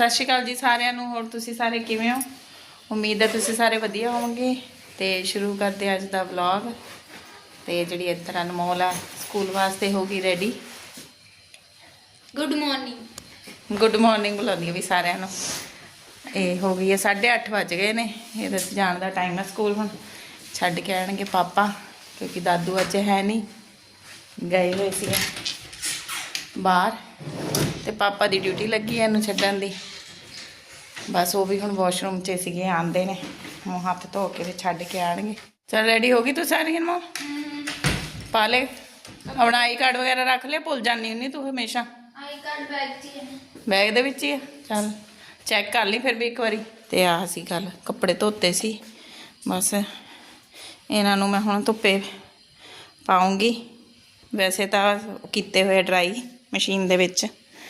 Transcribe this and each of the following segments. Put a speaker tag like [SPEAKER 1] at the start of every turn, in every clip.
[SPEAKER 1] सत श्री अकाल जी सारिਆਂ ਨੂੰ। ਹੋਰ ਤੁਸੀਂ ਸਾਰੇ ਕਿਵੇਂ ਹੋ? ਉਮੀਦ ਹੈ ਤੁਸੀਂ ਸਾਰੇ ਵਧੀਆ ਹੋਵੋਗੇ। ਤੇ ਸ਼ੁਰੂ ਕਰਦੇ ਅੱਜ ਦਾ ਵਲੌਗ। ਤੇ ਜਿਹੜੀ ਇੱਧਰ ਅਨਮੋਲ ਆ ਸਕੂਲ ਵਾਸਤੇ ਹੋ ਗਈ ਰੈਡੀ।
[SPEAKER 2] गुड मॉर्निंग
[SPEAKER 1] बुलाਉਂਦੀ ਹੈ ਵੀ ਸਾਰਿਆਂ ਨੂੰ। ਇਹ ਹੋ ਗਈ ਹੈ 8:30 ਵੱਜ ਗਏ ਨੇ। ਇਹਦੇ ਜਾਣ ਦਾ ਟਾਈਮ ਹੈ ਸਕੂਲ। ਹੁਣ ਛੱਡ ਕੇ ਆਣਗੇ ਪਾਪਾ ਕਿਉਂਕਿ ਦਾਦੂ ਅੱਜ ਹੈ ਨਹੀਂ, ਗਏ ਹੋਏ ਸੀ ਬਾਹਰ। ਤੇ ਪਾਪਾ ਦੀ ਡਿਊਟੀ ਲੱਗੀ ਹੈ ਇਹਨੂੰ ਛੱਡਣ ਦੀ। ਬਸ ਉਹ ਵੀ ਹੁਣ ਵਾਸ਼ਰੂਮ 'ਚ ਸੀਗੇ, ਆਉਂਦੇ ਨੇ ਮੂੰਹ ਹੱਥ ਧੋ ਕੇ ਤੇ ਛੱਡ ਕੇ ਆਣਗੇ। ਚਲ ਰੈਡੀ ਹੋ ਗਈ ਤੂੰ ਸਾਰੀ ਅਨਮੋ? ਪਾ ਲੈ ਆਪਣਾ ਆਈ ਕਾਰਡ ਵਗੈਰਾ ਰੱਖ ਲੈ, ਭੁੱਲ ਜਾਂਦੀ ਹੁੰਦੀ ਤੂੰ ਹਮੇਸ਼ਾ।
[SPEAKER 2] आई कार्ड बैग च है,
[SPEAKER 1] ਬੈਗ ਦੇ ਵਿੱਚ ਹੀ ਆ। ਚੱਲ ਚੈੱਕ ਕਰ ਲਈ ਫਿਰ ਵੀ ਇੱਕ ਵਾਰੀ। ਤੇ ਆਹ ਸੀ ਗੱਲ, ਕੱਪੜੇ ਧੋਤੇ ਸੀ ਬਸ। ਇਹਨਾਂ ਨੂੰ ਮੈਂ ਹੁਣ ਧੁੱਪੇ ਪਾਉਂਗੀ। ਵੈਸੇ ਤਾਂ ਕੀਤੇ ਹੋਏ ਡਰਾਈ ਮਸ਼ੀਨ ਦੇ ਵਿੱਚ।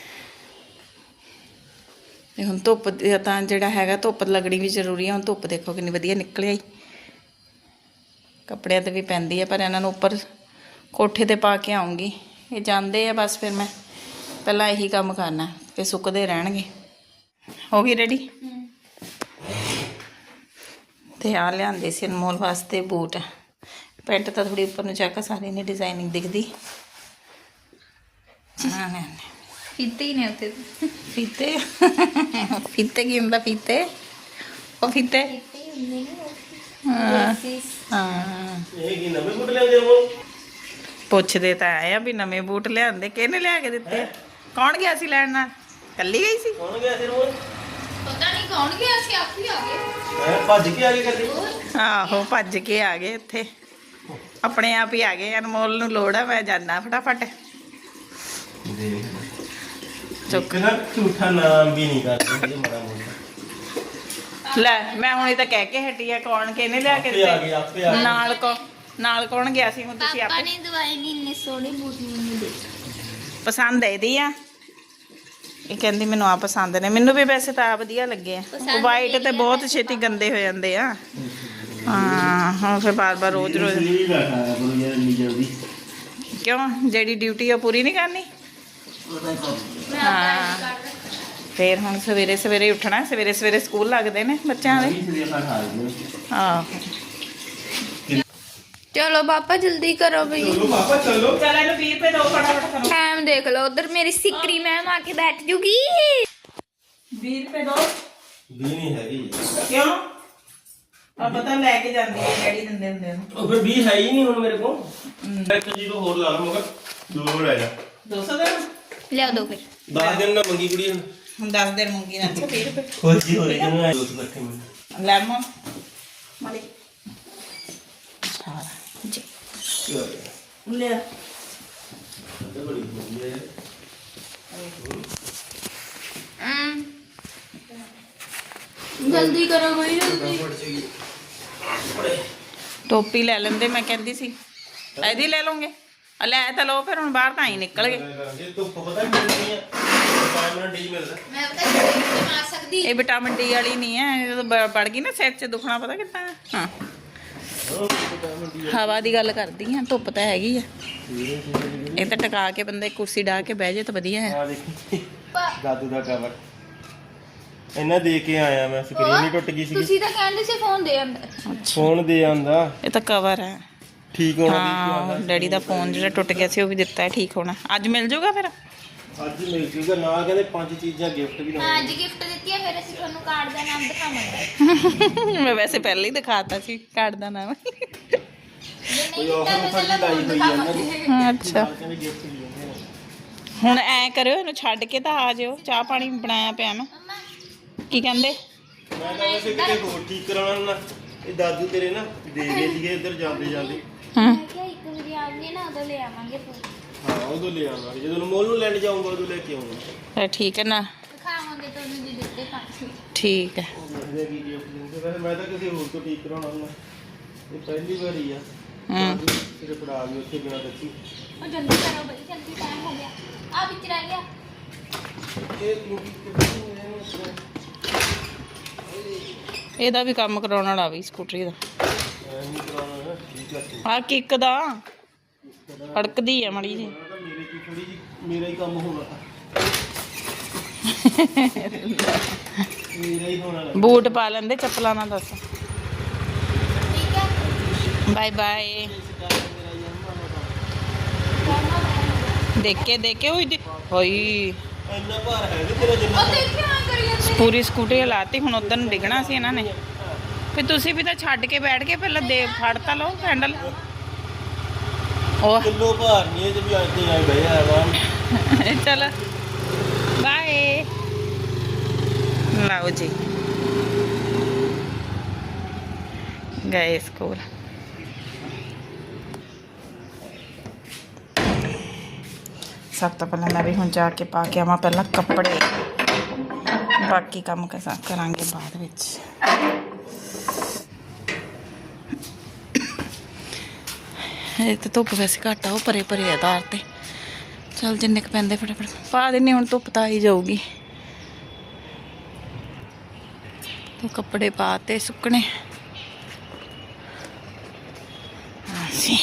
[SPEAKER 1] ਤੇ ਹੁਣ ਧੁੱਪ ਤਾਂ ਜਿਹੜਾ ਹੈਗਾ ਧੁੱਪ ਲੱਗਣੀ ਵੀ ਜ਼ਰੂਰੀ ਹੈ। ਹੁਣ ਧੁੱਪ ਦੇਖੋ ਕਿੰਨੀ ਵਧੀਆ ਨਿਕਲ ਆਈ। ਕੱਪੜਿਆਂ 'ਤੇ ਵੀ ਪੈਂਦੀ ਹੈ ਪਰ ਇਹਨਾਂ ਨੂੰ ਉੱਪਰ ਕੋਠੇ 'ਤੇ ਪਾ ਕੇ ਆਉਂਗੀ। ਇਹ ਜਾਂਦੇ ਆ ਬਸ, ਫਿਰ ਮੈਂ ਪਹਿਲਾਂ ਇਹੀ ਕੰਮ ਕਰਨਾ, ਫਿਰ ਸੁੱਕਦੇ ਰਹਿਣਗੇ। ਹੋ ਗਈ ਰੈਡੀ? ਤੇ ਆ ਲਿਆਂਦੇ ਸੀ ਅਨਮੋਲ ਵਾਸਤੇ ਬੂਟ। ਪੈਂਟ ਤਾਂ ਥੋੜੀ ਉੱਪਰ ਨੂੰ ਚੱਕ, ਸਾਰੀ ਨੇ ਡਿਜ਼ਾਈਨਿੰਗ ਦਿਖਦੀ।
[SPEAKER 2] फीते ही नहीं होते
[SPEAKER 1] ਫੀਤੇ ਫੀਤੇ ਕੀ ਹੁੰਦਾ? ਫੀਤੇ ਉਹ ਫੀਤੇ ਹਾਂ।
[SPEAKER 3] ਇਹ ਕੀ ਨਵੇਂ ਬੂਟ ਲਿਆਉਂਦੇ ਹੋ?
[SPEAKER 1] ਪੁੱਛਦੇ ਤਾਂ ਆਏ ਆ ਵੀ ਨਵੇਂ ਬੂਟ ਲਿਆਂਦੇ, ਕਿਹਨੇ ਲਿਆ ਕੇ ਦਿੱਤੇ? ਕੌਣ ਗਿਆ ਸੀ ਲੈਣ ਨਾਲ? ਕੱਲੀ ਗਈ ਸੀ?
[SPEAKER 3] ਕੌਣ ਗਿਆ ਸੀ ਰੋਜ਼?
[SPEAKER 2] पता नहीं कौन गया सी, आप ही आ गए।
[SPEAKER 3] ਭੱਜ ਕੇ ਆ ਗਏ ਕਦੇ?
[SPEAKER 1] ਆਹੋ ਭੱਜ ਕੇ ਆ ਗਏ ਇੱਥੇ, ਆਪਣੇ ਆਪ ਹੀ ਆ ਗਏ। ਅਨਮੋਲ ਨੂੰ ਲੋੜ ਆ, ਮੈਂ ਜਾਣਾ ਫਟਾਫਟ।
[SPEAKER 3] ਚੁੱਕ ਨਾ, ਝੂਠਾ ਨਾਮ ਵੀ ਨਹੀਂ ਕਰਦੇ ਹਜੇ ਮਾੜਾ ਮੋਟਾ।
[SPEAKER 1] ਲੈ ਮੈਂ ਹੁਣੇ ਤਾਂ ਕਹਿ ਕੇ ਹਟੀ ਆ ਕੌਣ ਕਿਹਨੇ ਲਿਆ ਕੇ
[SPEAKER 3] ਆਪੇ ਆ ਗਏ, ਆਪੇ ਆ
[SPEAKER 1] ਦਿੱਤੇ।
[SPEAKER 3] ਗਏ।
[SPEAKER 1] ਨਾਲ ਕੌਣ ਗਿਆ ਸੀ? ਹੁਣ ਤੁਸੀਂ
[SPEAKER 2] पापा
[SPEAKER 1] ਆਪੇ
[SPEAKER 2] ने दवाई नहीं, इतने सोने बूट नहीं दे।
[SPEAKER 1] ਪਸੰਦ ਇਹਦੀ ਆ। ਇਹ ਕਹਿੰਦੀ ਮੈਨੂੰ ਆ ਪਸੰਦ ਨੇ। ਮੈਨੂੰ ਵੀ ਵੈਸੇ ਤਾਂ ਆ ਵਧੀਆ ਲੱਗੇ ਆ। ਵਾਈਟ ਤੇ ਬਹੁਤ ਛੇਤੀ ਗੰਦੇ ਹੋ ਜਾਂਦੇ ਆ। ਹਾਂ ਹੁਣ ਫਿਰ ਬਾਰ-ਬਾਰ ਰੋਜ਼-ਰੋਜ਼
[SPEAKER 3] ਨਹੀਂ ਬੈਠਾ ਕਰੋ ਯਾਰ ਇੰਨੀ ਜਲਦੀ।
[SPEAKER 1] ਕਿਉਂ? ਜਿਹੜੀ ਡਿਊਟੀ ਆ ਪੂਰੀ ਨਹੀਂ ਕਰਨੀ?
[SPEAKER 2] मैं
[SPEAKER 1] हाँ।
[SPEAKER 2] आपका ID कार्ड रख-
[SPEAKER 1] ਫਿਰ ਹੁਣ ਸਵੇਰੇ ਸਵੇਰੇ ਉੱਠਣਾ। ਸਵੇਰੇ ਸਵੇਰੇ ਸਕੂਲ ਲੱਗਦੇ ਨੇ ਬੱਚਿਆਂ ਦੇ। ਆਹੋ
[SPEAKER 2] चलो पापा जल्दी करो भाई,
[SPEAKER 3] ਚਲੋ ਪਾਪਾ ਚਲੋ।
[SPEAKER 1] ਚੱਲ ਇਹਨੂੰ 20 ਰੁਪਏ ਦਿਓ ਫਟਾਫਟ ਕਰੋ।
[SPEAKER 2] टाइम देख लो। उधर मेरी सिकरी मैम आके बैठ जूगी।
[SPEAKER 1] 20 ਰੁਪਏ ਦਿਓ।
[SPEAKER 3] ਵੀ ਨਹੀਂ ਹੈਗੀ।
[SPEAKER 1] ਕਿਉਂ? ਆ ਪਤਾ ਲੈ ਕੇ ਜਾਂਦੀ ਹੈ ਡੈਡੀ ਦਿੰਦੇ ਹੁੰਦੇ ਨੇ।
[SPEAKER 3] ਉਹ ਫਿਰ ਵੀ ਹੈ ਹੀ ਨਹੀਂ ਹੁਣ ਮੇਰੇ ਕੋਲ। ਇੱਕ ਜੀ ਤੋਂ ਹੋਰ ਲਾ ਲਾ ਮਗਰ ਦੋ ਹੋਰ ਆ ਜਾ।
[SPEAKER 1] 200 ਦੇ
[SPEAKER 2] ले दो फिर।
[SPEAKER 3] 10 ਦਿਨ ਦਾ ਮੰਗੀ ਕੁੜੀ
[SPEAKER 1] ਹੁਣ 10 ਦਿਨ ਮੰਗੀ ਨਾ। ਅੱਛਾ 20 ਰੁਪਏ
[SPEAKER 3] ਖੁਸ਼ੀ ਹੋ ਰਹੀ ਜਨੂੰ ਐ ਦੋਸਤ ਇਕੱਠੇ ਮਿਲ।
[SPEAKER 1] ਲੈਮਨ ਮਾਲੀ ਸਾਰਾ ਜੀ ਲੈ।
[SPEAKER 3] ਇਹ ਬੜੀ ਵਧੀਆ ਹੈ।
[SPEAKER 2] जल्दी करो भाई जल्दी।
[SPEAKER 1] ਟੋਪੀ ਲੈ ਲੈਂਦੇ ਮੈਂ ਕਹਿੰਦੀ ਸੀ। ਇਹਦੀ ਲੈ ਲਓਗੇ? ਆ ਲੈ ਤਾਂ ਲਓ ਫਿਰ। ਹੁਣ ਬਾਹਰ ਤਾਂ ਹੀ ਨਿਕਲ ਗਏ।
[SPEAKER 3] ਜੇ ਧੁੱਪ ਪਤਾ ਮਿਲਦੀ ਹੈ ਵਿਟਾਮਿਨ ਡੀ ਮਿਲਦਾ।
[SPEAKER 2] मैं पता नहीं मार सकती।
[SPEAKER 1] ਇਹ ਵਿਟਾਮਿਨ ਡੀ ਵਾਲੀ ਨਹੀਂ ਹੈ। ਜਦੋਂ ਪੜ ਗਈ ਨਾ ਸਿਰ 'ਚ ਦੁਖਣਾ ਪਤਾ ਕਿੱਦਾਂ। ਹਾਂ ਹਵਾ ਦੀ ਗੱਲ ਕਰਦੀ ਆ। ਧੁੱਪ ਤਾਂ ਹੈਗੀ ਆ। ਇਹ ਤਾਂ ਟਿਕਾ ਕੇ ਬੰਦੇ ਕੁਰਸੀ ਢਾ ਕੇ ਬਹਿ ਜੇ ਤਾਂ ਵਧੀਆ ਹੈ।
[SPEAKER 3] ਆ ਦੇਖੀ ਦਾਦੂ ਦਾ ਕਵਰ ਇਹਨਾਂ ਦੇ ਕੇ ਆਇਆ ਮੈਂ। ਸਕਰੀਨ ਹੀ ਟੁੱਟ ਗਈ ਸੀ।
[SPEAKER 2] ਤੁਸੀਂ ਤਾਂ ਕਹਿੰਦੇ ਸੀ ਫੋਨ ਦੇ ਅੰਦਰ।
[SPEAKER 3] ਫੋਨ ਦੇ ਆਂਦਾ
[SPEAKER 1] ਇਹ ਤਾਂ ਕਵਰ ਹੈ।
[SPEAKER 3] ਠੀਕ ਹੋਣਾ
[SPEAKER 1] ਹਾਂ ਡੈਡੀ ਦਾ ਫੋਨ ਜਿਹੜਾ ਟੁੱਟ ਗਿਆ ਸੀ ਉਹ ਵੀ ਦਿੱਤਾ ਹੈ ਠੀਕ ਹੋਣਾ। ਅੱਜ ਮਿਲ ਜਾਊਗਾ ਫਿਰ?
[SPEAKER 3] ਅੱਜ ਮਿਲ ਜੂਗਾ। ਨਾਲ ਕਹਿੰਦੇ 5 ਚੀਜ਼ਾਂ ਗਿਫਟ ਵੀ
[SPEAKER 2] ਹਾਂ ਅੱਜ ਗਿਫਟ ਦਿੱਤੀ ਹੈ। ਫਿਰ ਅਸੀਂ ਤੁਹਾਨੂੰ ਕਾਰਡ ਦਾ ਨਾਮ ਦਿਖਾਵਾਂਗੇ।
[SPEAKER 1] ਮੈਂ ਵੈਸੇ ਪਹਿਲਾਂ ਹੀ ਦਿਖਾਤਾ ਸੀ ਕਾਰਡ ਦਾ ਨਾਮ।
[SPEAKER 2] ਜੇ ਨਹੀਂ ਦਿੱਤਾ ਤਾਂ ਚੱਲ ਫੋਨ ਦਿਖਾਵਾਂਗੇ।
[SPEAKER 1] ਅੱਛਾ
[SPEAKER 3] ਕਹਿੰਦੇ ਗਿਫਟ ਵੀ ਦਿੰਦੇ ਨੇ।
[SPEAKER 1] ਹੁਣ ਐ ਕਰਿਓ, ਇਹਨੂੰ ਛੱਡ ਕੇ ਤਾਂ ਆ ਜਿਓ। ਚਾਹ ਪਾਣੀ ਬਣਾਇਆ ਪਿਆ ਮੈਂ। ਕੀ ਕਹਿੰਦੇ?
[SPEAKER 3] ਮੈਂ ਤਾਂ ਵੈਸੇ ਕਿਤੇ ਹੋਰ ਠੀਕ ਕਰਾਉਣਾ ਨਾ। ਇਹ ਦਾਦੂ ਤੇਰੇ ਨਾ ਦੇ ਗਏ ਸੀਗੇ ਇੱਧਰ ਜਾਂਦੇ ਜਾਂਦੇ।
[SPEAKER 2] ਮੈਂ ਕਿਹਾ ਇੱਕ ਵਾਰੀ ਆਉਂਗੇ ਨਾ ਉਦੋਂ ਲੈ ਆਵਾਂਗੇ ਫੋਨ।
[SPEAKER 3] ਹਾਂ ਉਦੋਂ ਲੈ ਆਵਾਂਗੇ। ਜਦੋਂ ਮੋਲ ਨੂੰ ਲੈਣ ਜਾਊਂਗਾ ਉਦੋਂ ਲੈ ਕੇ ਆਊਂਗਾ।
[SPEAKER 1] ਫਿਰ ਠੀਕ ਹੈ ਨਾ?
[SPEAKER 2] ਦਿਖਾਵਾਂਗੇ ਤੁਹਾਨੂੰ ਜੀ ਦਿੱਤੇ 5।
[SPEAKER 1] ਠੀਕ ਹੈ।
[SPEAKER 3] ਦੇਖਦੇ ਕੀ ਗਿਫਟ ਦਿੰਦੇ। ਵੈਸੇ ਮੈਂ ਤਾਂ ਕਿਸੇ ਹੋਰ ਤੋਂ ਠੀਕ ਕਰਾਉਣਾ ਹੁੰਦਾ। ਇਹ ਪਹਿਲੀ ਵਾਰੀ ਆ। ਤੇਰੇ ਪੜਾ ਵੀ ਉੱਥੇ ਬਿਨਾਂ ਦੱਸੀ।
[SPEAKER 2] ਉਹ ਜਲਦੀ ਕਰੋ ਬਈ, ਜਲਦੀ ਟਾਈਮ ਹੋ ਗਿਆ। ਆ ਵਿੱਚ ਰਹਿ ਗਿਆ।
[SPEAKER 1] ਇਹਦਾ ਵੀ ਕੰਮ ਕਰਾਉਣ ਵਾਲਾ ਵੀ ਸਕੂਟਰੀ ਦਾ। ਆ ਕਿੱਕ ਦਾ ਅੜਕਦੀ ਆ ਮੜੀ ਜੀ।
[SPEAKER 3] ਮੇਰੇ ਕੀ ਥੋੜੀ ਜੀ ਮੇਰਾ ਹੀ ਕੰਮ ਹੋਣਾ। ਨਹੀਂ ਹੋਣਾ
[SPEAKER 1] ਬੂਟ ਪਾ ਲੈਂਦੇ, ਚੱਪਲਾਂ ਨਾ ਦੱਸ।
[SPEAKER 2] ਠੀਕ ਹੈ
[SPEAKER 1] ਬਾਏ ਬਾਏ। ਦੇਖ ਕੇ ਹੋਈ
[SPEAKER 3] ਇੰਨਾ ਭਾਰ ਹੈ ਕਿ ਤੇਰਾ ਜਿੰਨਾ
[SPEAKER 2] ਉਹ ਦੇਖਿਆ ਆ ਕਰੀ ਜਾਂਦੇ
[SPEAKER 1] ਪੂਰੀ ਸਕੂਟਰੀ ਹਲਾਤੀ। ਹੁਣ ਉਧਰ ਨੂੰ ਡਿੱਗਣਾ ਸੀ ਇਹਨਾਂ ਨੇ। ਫਿਰ ਤੁਸੀਂ ਵੀ ਤਾਂ ਛੱਡ ਕੇ ਬੈਠ ਕੇ ਪਹਿਲਾਂ ਦੇ ਫੜ ਤਾਂ ਲਓ ਹੈਂਡਲ। ਉਹ
[SPEAKER 3] ਕਿਲੋ ਭਾਰ ਨਹੀਂ ਇਹ ਵੀ ਅੱਜ ਤੇ ਆਏ ਗਏ ਆ ਵਾ।
[SPEAKER 1] ਚਲ ਬਾਏ। ਲਓ ਜੀ ਗਏ ਸਕੂਲ। ਸਭ ਤੋਂ ਪਹਿਲਾਂ ਮੈਂ ਵੀ ਹੁਣ ਜਾ ਕੇ ਪਾ ਕੇ ਆਵਾਂ ਪਹਿਲਾਂ ਕੱਪੜੇ, ਬਾਕੀ ਕੰਮ ਕਰਾਂਗੇ ਬਾਅਦ ਵਿੱਚ। ਇਹ ਤਾਂ ਧੁੱਪ ਵੈਸੇ ਘੱਟ ਆ, ਉਹ ਪਰੇ ਪਰੇ ਆਧਾਰ ਤੇ। ਚਲ ਜਿੰਨੇ ਕੁ ਪੈਂਦੇ ਫਟਾਫਟ ਪਾ ਦਿੰਨੀ। ਹੁਣ ਧੁੱਪ ਤਾਂ ਆਈ ਜਾਊਗੀ। ਤੋ ਕੱਪੜੇ ਪਾ ਤੇ ਸੁੱਕਣੇ ਅਸੀਂ।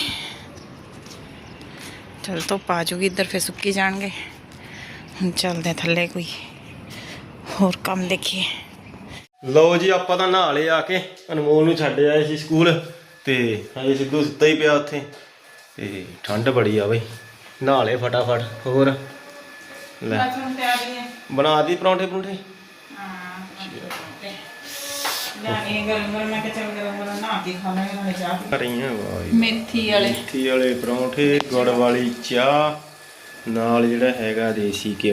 [SPEAKER 1] ਚਲ ਧੁੱਪ ਆ ਜੂਗੀ ਇੱਧਰ, ਫਿਰ ਸੁੱਕੀ ਜਾਣਗੇ। ਹੁਣ ਚੱਲਦੇ ਥੱਲੇ, ਕੋਈ ਹੋਰ ਕੰਮ ਦੇਖੀਏ।
[SPEAKER 3] ਲਓ ਜੀ ਆਪਾਂ ਤਾਂ ਨਹਾ ਲਏ ਆ ਕੇ। ਅਨਮੋਲ ਨੂੰ ਛੱਡ ਆਏ ਸੀ ਸਕੂਲ ਤੇ ਹਜੇ ਸਿੱਧੂ ਸੁੱਤਾ ਹੀ ਪਿਆ ਉੱਥੇ ਤੇ ਠੰਡ ਬੜੀ ਆ ਬਈ। ਨਹਾ ਲਏ ਫਟਾਫਟ। ਹੋਰ ਲੈ ਬਣਾ ਦੀ ਪਰੌਂਠੇ ਪਰੌਂਠੇ। ਮੇਥੀ ਵਾਲੇ ਪਰੌਂਠੇ, ਗੁੜ ਵਾਲੀ ਚਾਹ ਨਾਲ ਜਿਹੜਾ ਹੈਗਾ ਦੇਸੀ ਘਿਓ।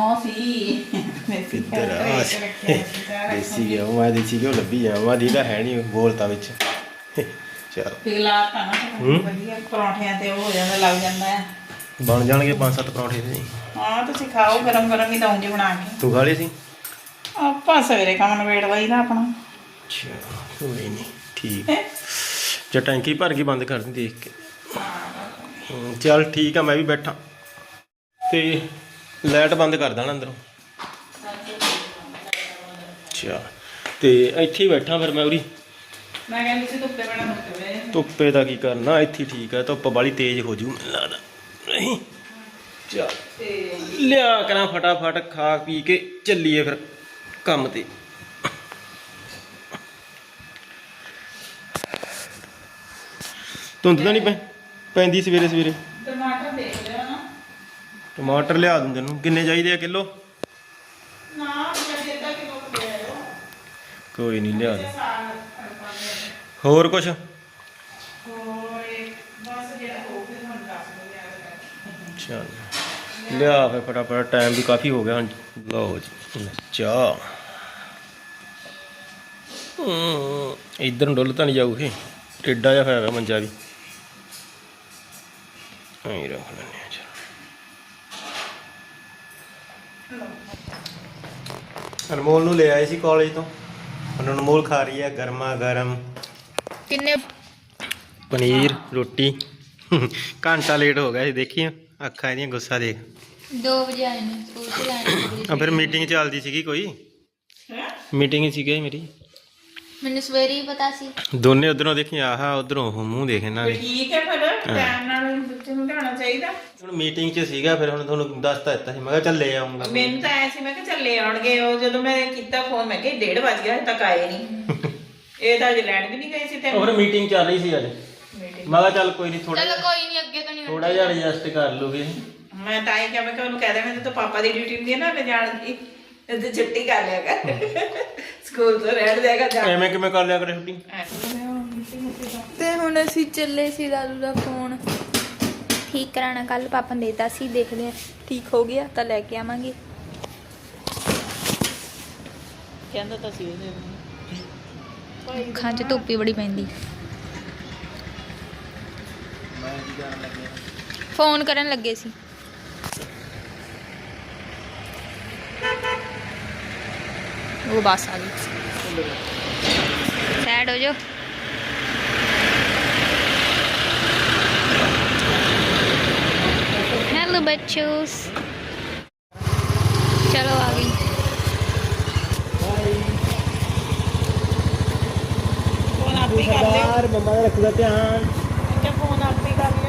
[SPEAKER 3] ਦੇਸੀ ਘਿਓ ਮੈਂ ਦੇਸੀ ਘਿਓ ਲੱਭੀ ਜਾਵਾਂ। ਦੀ ਤਾਂ ਹੈ ਨਹੀਂ, ਬੋਲਤਾ ਵਿੱਚ। ਚਲੋ
[SPEAKER 1] ਪਰੌਂਠਿਆਂ ਤੇ ਉਹ ਹੋ ਜਾਂਦਾ, ਲੱਗ ਜਾਂਦਾ ਹੈ।
[SPEAKER 3] ਬਣ ਜਾਣਗੇ 5-7 ਪਰੌਂਠੇ ਤੇ।
[SPEAKER 1] ਹਾਂ ਤੁਸੀਂ ਖਾਓ, ਗਰਮ ਗਰਮ ਹੀ ਦਊਂਗੀ ਬਣਾ ਕੇ।
[SPEAKER 3] ਤੂੰ ਖਾ ਲਏ ਸੀ?
[SPEAKER 1] ਆਪਾਂ ਸਵੇਰੇ ਕੰਮ ਨਵੇੜ ਲਈਦਾ ਆਪਣਾ।
[SPEAKER 3] ਅੱਛਾ ਕੋਈ ਨਹੀਂ, ਠੀਕ। ਜੇ ਟੈਂਕੀ ਭਰ ਗਈ ਬੰਦ ਕਰ ਦੀ ਦੇਖ ਕੇ। ਚੱਲ ਠੀਕ ਆ, ਮੈਂ ਵੀ ਬੈਠਾ ਤੇ ਲਾਈਟ ਬੰਦ ਕਰ ਦੇਣਾ ਅੰਦਰੋਂ। ਅੱਛਾ ਤੇ ਇੱਥੇ ਹੀ ਬੈਠਾ ਫਿਰ ਮੈਂ ਉਰੀ।
[SPEAKER 1] ਮੈਂ ਕਹਿੰਦੀ ਸੀ ਧੁੱਪੇ ਬਣਾ
[SPEAKER 3] ਧੁੱਪੇ ਦਾ ਕੀ ਕਰਨਾ, ਇੱਥੇ ਠੀਕ ਆ। ਧੁੱਪ ਬਾਲੀ ਤੇਜ਼ ਹੋ ਜੂ ਮੈਨੂੰ ਲੱਗਦਾ। ਨਹੀਂ ਚੱਲ ਲਿਆ ਕਰਾਂ ਫਟਾਫਟ, ਖਾ ਪੀ ਕੇ ਚੱਲੀਏ ਫਿਰ ਕੰਮ ਤੇ। ਧੁੰਦ ਤਾਂ ਨਹੀਂ ਪੈਂਦੀ ਸਵੇਰੇ ਸਵੇਰੇ?
[SPEAKER 1] ਟਮਾਟਰ ਦੇਖ ਲਿਆ ਨਾ।
[SPEAKER 3] ਟਮਾਟਰ ਲਿਆ ਦੂੰ ਤੈਨੂੰ। ਕਿੰਨੇ ਚਾਹੀਦੇ ਆ? ਕਿਲੋ?
[SPEAKER 1] ਨਾ ਅੱਧਾ ਕਿਲੋ ਦੇ ਆਇਓ।
[SPEAKER 3] ਕੋਈ ਨਹੀਂ ਲਿਆ ਦੇ। ਹੋਰ ਕੁਛ? ਚੱਲ ਲਿਆ ਫਿਰ ਫਟਾਫਟ, ਟਾਈਮ ਵੀ ਕਾਫੀ ਹੋ ਗਿਆ ਹੁਣ। ਲਓ ਜੀ ਚਾਹ। ਇੱਧਰ ਨੂੰ ਡੁੱਲ ਤਾਂ ਨਹੀਂ ਜਾਊ ਇਹ, ਟੇਡਾ ਜਿਹਾ ਹੋਇਆ ਮੰਜਾ ਵੀ। ਐਂ ਰੱਖ ਲੈਂਦੇ ਆ। ਚਲ ਅਨਮੋਲ ਨੂੰ ਲੈ ਆਏ ਸੀ ਕਾਲਜ ਤੋਂ। ਹੁਣ ਅਨਮੋਲ ਖਾ ਰਹੀ ਹੈ ਗਰਮਾ ਗਰਮ
[SPEAKER 2] ਕਿੰਨੇ
[SPEAKER 3] ਪਨੀਰ ਰੋਟੀ। ਘੰਟਾ ਲੇਟ ਹੋ ਗਿਆ ਸੀ, ਦੇਖੀ ਅੱਖਾਂ ਇਹਦੀਆਂ ਗੁੱਸਾ ਦੇਖ।
[SPEAKER 2] 2 ਵਜੇ ਆਏ ਨੇ ਸਕੂਲ ਤੇ ਆਏ।
[SPEAKER 3] ਫਿਰ ਮੀਟਿੰਗ ਚੱਲਦੀ ਸੀਗੀ ਕੋਈ? ਮੀਟਿੰਗ ਸੀਗੀ ਮੇਰੀ।
[SPEAKER 2] ਮੈਨੂੰ ਸਵੇਰੇ ਹੀ ਪਤਾ ਸੀ।
[SPEAKER 3] ਦੋਨੇ ਉਧਰੋਂ ਦੇਖੀ, ਆਹ ਉਧਰੋਂ ਮੂੰਹ ਦੇਖ ਇਹਨਾਂ ਦੇ।
[SPEAKER 1] ਠੀਕ ਹੈ ਫਿਰ ਟਾਈਮ ਨਾਲ ਬੱਚੇ ਨੂੰ ਲਿਆਉਣਾ ਚਾਹੀਦਾ।
[SPEAKER 3] ਹੁਣ ਮੀਟਿੰਗ 'ਚ ਸੀਗਾ, ਫਿਰ ਹੁਣ ਤੁਹਾਨੂੰ ਦੱਸਤਾ ਦਿੱਤਾ ਸੀ। ਮੈਂ ਕਿਹਾ ਚੱਲ ਲੈ ਆਉਂਗਾ।
[SPEAKER 1] ਮੈਨੂੰ ਤਾਂ ਐ ਸੀ, ਮੈਂ ਕਿਹਾ ਚੱਲੇ ਆਉਣਗੇ। ਉਹ ਜਦੋਂ ਮੈਂ ਕੀਤਾ ਫੋਨ, ਮੈਂ ਕਿਹਾ 1:30 ਵਜ ਗਿਆ, ਹਜੇ ਤੱਕ ਆਏ ਨਹੀਂ। ਇਹ ਤਾਂ ਅਜੇ ਲੈਣ ਵੀ ਨਹੀਂ ਗਏ ਸੀ ਤੈਨੂੰ।
[SPEAKER 3] ਹੋਰ ਮੀਟਿੰਗ ਚੱਲ ਰਹੀ ਸੀ ਅੱਜ। ਮੈਂ ਕਿਹਾ ਚੱਲ ਕੋਈ ਨਹੀਂ,
[SPEAKER 2] ਚਲੋ ਕੋਈ ਨਹੀਂ, ਅੱਗੇ ਤੋਂ ਨਹੀਂ
[SPEAKER 3] ਥੋੜਾ ਜਿਹਾ ਐਡਜਸਟ ਕਰ ਲੂਗੇ।
[SPEAKER 1] ਮੈਂ ਤਾਂ ਇਹ ਕਿਹਾ, ਮੈਂ ਕਿਹਾ ਉਹਨੂੰ ਕਹਿ ਦੇਣਾ ਤਾਂ ਪਾਪਾ ਦੀ ਡਿਊਟੀ ਹੁੰਦੀ ਹੈ ਨਾ, ਲੈ ਜਾਣ ਦੀ। ਤੇ ਛੁੱਟੀ ਕਰ ਲਿਆ ਕਰ, ਸਕੂਲ ਤੋਂ ਰਹਿਣ ਦੇਗਾ ਜਾ।
[SPEAKER 3] ਐਵੇਂ ਕਿਵੇਂ ਕਰ ਲਿਆ ਕਰੇ ਛੁੱਟੀ?
[SPEAKER 2] ਤੇ ਹੁਣ ਅਸੀਂ ਚੱਲੇ ਸੀ ਦਾਦੂ ਦਾ ਫੋਨ ਠੀਕ ਕਰਾਣਾ। ਕੱਲ ਪਾਪਾ ਨੇ ਦੇਤਾ ਸੀ, ਦੇਖਦੇ ਆ ਠੀਕ ਹੋ ਗਿਆ ਤਾਂ ਲੈ ਕੇ ਆਵਾਂਗੇ।
[SPEAKER 1] ਕਹਿੰਦਾ ਤਾਂ ਸੀ ਉਹਦੇ
[SPEAKER 2] ਅੱਖਾਂ 'ਚ ਧੁੱਪ ਹੀ ਬੜੀ ਪੈਂਦੀ। ਫੋਨ ਕਰਨ ਲੱਗੇ ਸੀ। ਉਹ ਬਸ ਆ ਗਈ। ਸੈਡ ਹੋ ਜਾਓ। हेलो बच्चों, चलो आ गई।
[SPEAKER 1] ਫੋਨ ਆਪ ਹੀ ਕਰ ਲਿਓ।
[SPEAKER 3] ਮੰਮਾ ਦਾ ਰੱਖੂਗਾ ਧਿਆਨ।
[SPEAKER 1] ਕਿ ਫੋਨ ਆਪ ਹੀ ਕਰ ਲਿਓ।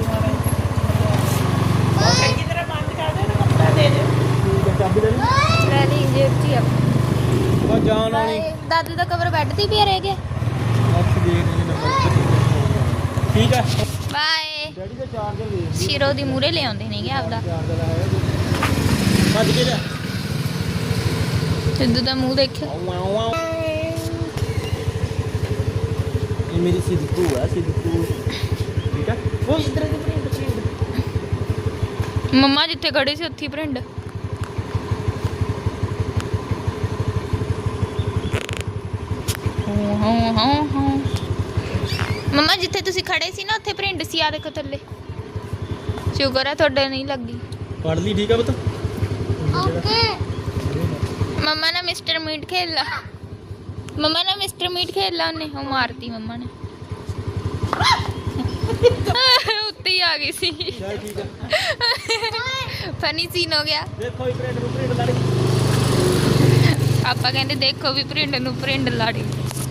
[SPEAKER 1] ਚੰਗੀ ਤਰ੍ਹਾਂ ਬੰਦ ਕਰ ਦਿਓ, ਕੱਪੜਾ ਦੇ ਦਿਓ।
[SPEAKER 3] ਚਾਬੀ ਲੈ ਲਈ?
[SPEAKER 2] ਲੈ ਲਈ ਜੇਬ 'ਚ ਹੀ ਆ।
[SPEAKER 3] ਉਹ ਜਾਣ ਵਾਲੀ
[SPEAKER 2] ਦਾਦੂ ਦਾ ਕਵਰ ਬੈੱਡ ਤੇ ਹੀ ਪਿਆ ਰਹਿ ਗਿਆ।
[SPEAKER 3] ਅੱਖ ਦੇ ਨਹੀਂ ਨੰਬਰ ਠੀਕ ਹੈ।
[SPEAKER 2] ਬਾਏ।
[SPEAKER 3] ਡੈਡੀ ਦਾ ਚਾਰਜਰ ਦੇ
[SPEAKER 2] ਸ਼ੀਰੋ ਦੀ ਮੂਰੇ ਲੈ ਆਉਂਦੇ ਨੇਗੇ ਆਪਦਾ।
[SPEAKER 3] ਚਾਰਜਰ ਹੈ ਭੱਜ ਕੇ ਜਾ
[SPEAKER 2] ਸਿੱਧੂ ਦਾ ਮੂੰਹ ਦੇਖਿਓ।
[SPEAKER 3] ਇਹ ਮੇਰੀ ਸਿੱਧੂ ਹੈ ਸਿੱਧੂ ਠੀਕ ਹੈ। ਉਹ ਇਧਰ ਦੇ ਪ੍ਰਿੰਟ
[SPEAKER 2] ਮੰਮਾ ਜਿੱਥੇ ਖੜੇ ਸੀ ਉੱਥੇ ਹੀ ਭਰਿੰਡ। ਹਾਂ ਮੰਮਾ ਜਿੱਥੇ ਤੁਸੀਂ ਖੜੇ ਸੀ ਨਾ ਉੱਥੇ ਭਰਿੰਡ ਸੀ। ਆ ਦੇਖੋ ਥੱਲੇ। ਸ਼ੁਕਰ ਹੈ ਤੁਹਾਡੇ ਨਹੀਂ ਲੱਗੀ।
[SPEAKER 3] ਪੜ ਲਈ ਠੀਕ ਹੈ ਪੁੱਤ।
[SPEAKER 2] ਓਕੇ। ਮੰਮਾ ਨੇ ਮਿਸਟਰ ਮੀਟ ਖੇਲ ਲਾ। ਮੰਮਾ ਨੇ ਮਿਸਟਰ ਮੀਟ ਖੇਲ ਲਾ ਉਹਨੇ। ਉਹ ਮਾਰਤੀ ਮੰਮਾ ਨੇ। ਉੱਤੇ ਹੀ ਆ ਗਈ ਸੀ।
[SPEAKER 3] ਚੱਲ ਠੀਕ ਹੈ।
[SPEAKER 2] ਫਨੀ ਸੀਨ ਹੋ ਗਿਆ।
[SPEAKER 3] ਦੇਖੋ ਇਹ ਪ੍ਰਿੰਟ ਨੂੰ ਪ੍ਰਿੰਟ ਲੜ
[SPEAKER 2] ਆਪਾਂ ਕਹਿੰਦੇ ਦੇਖੋ ਵੀ ਭਰਿੰਡ ਨੂੰ ਭਰਿੰਡ ਲਾੜੀ।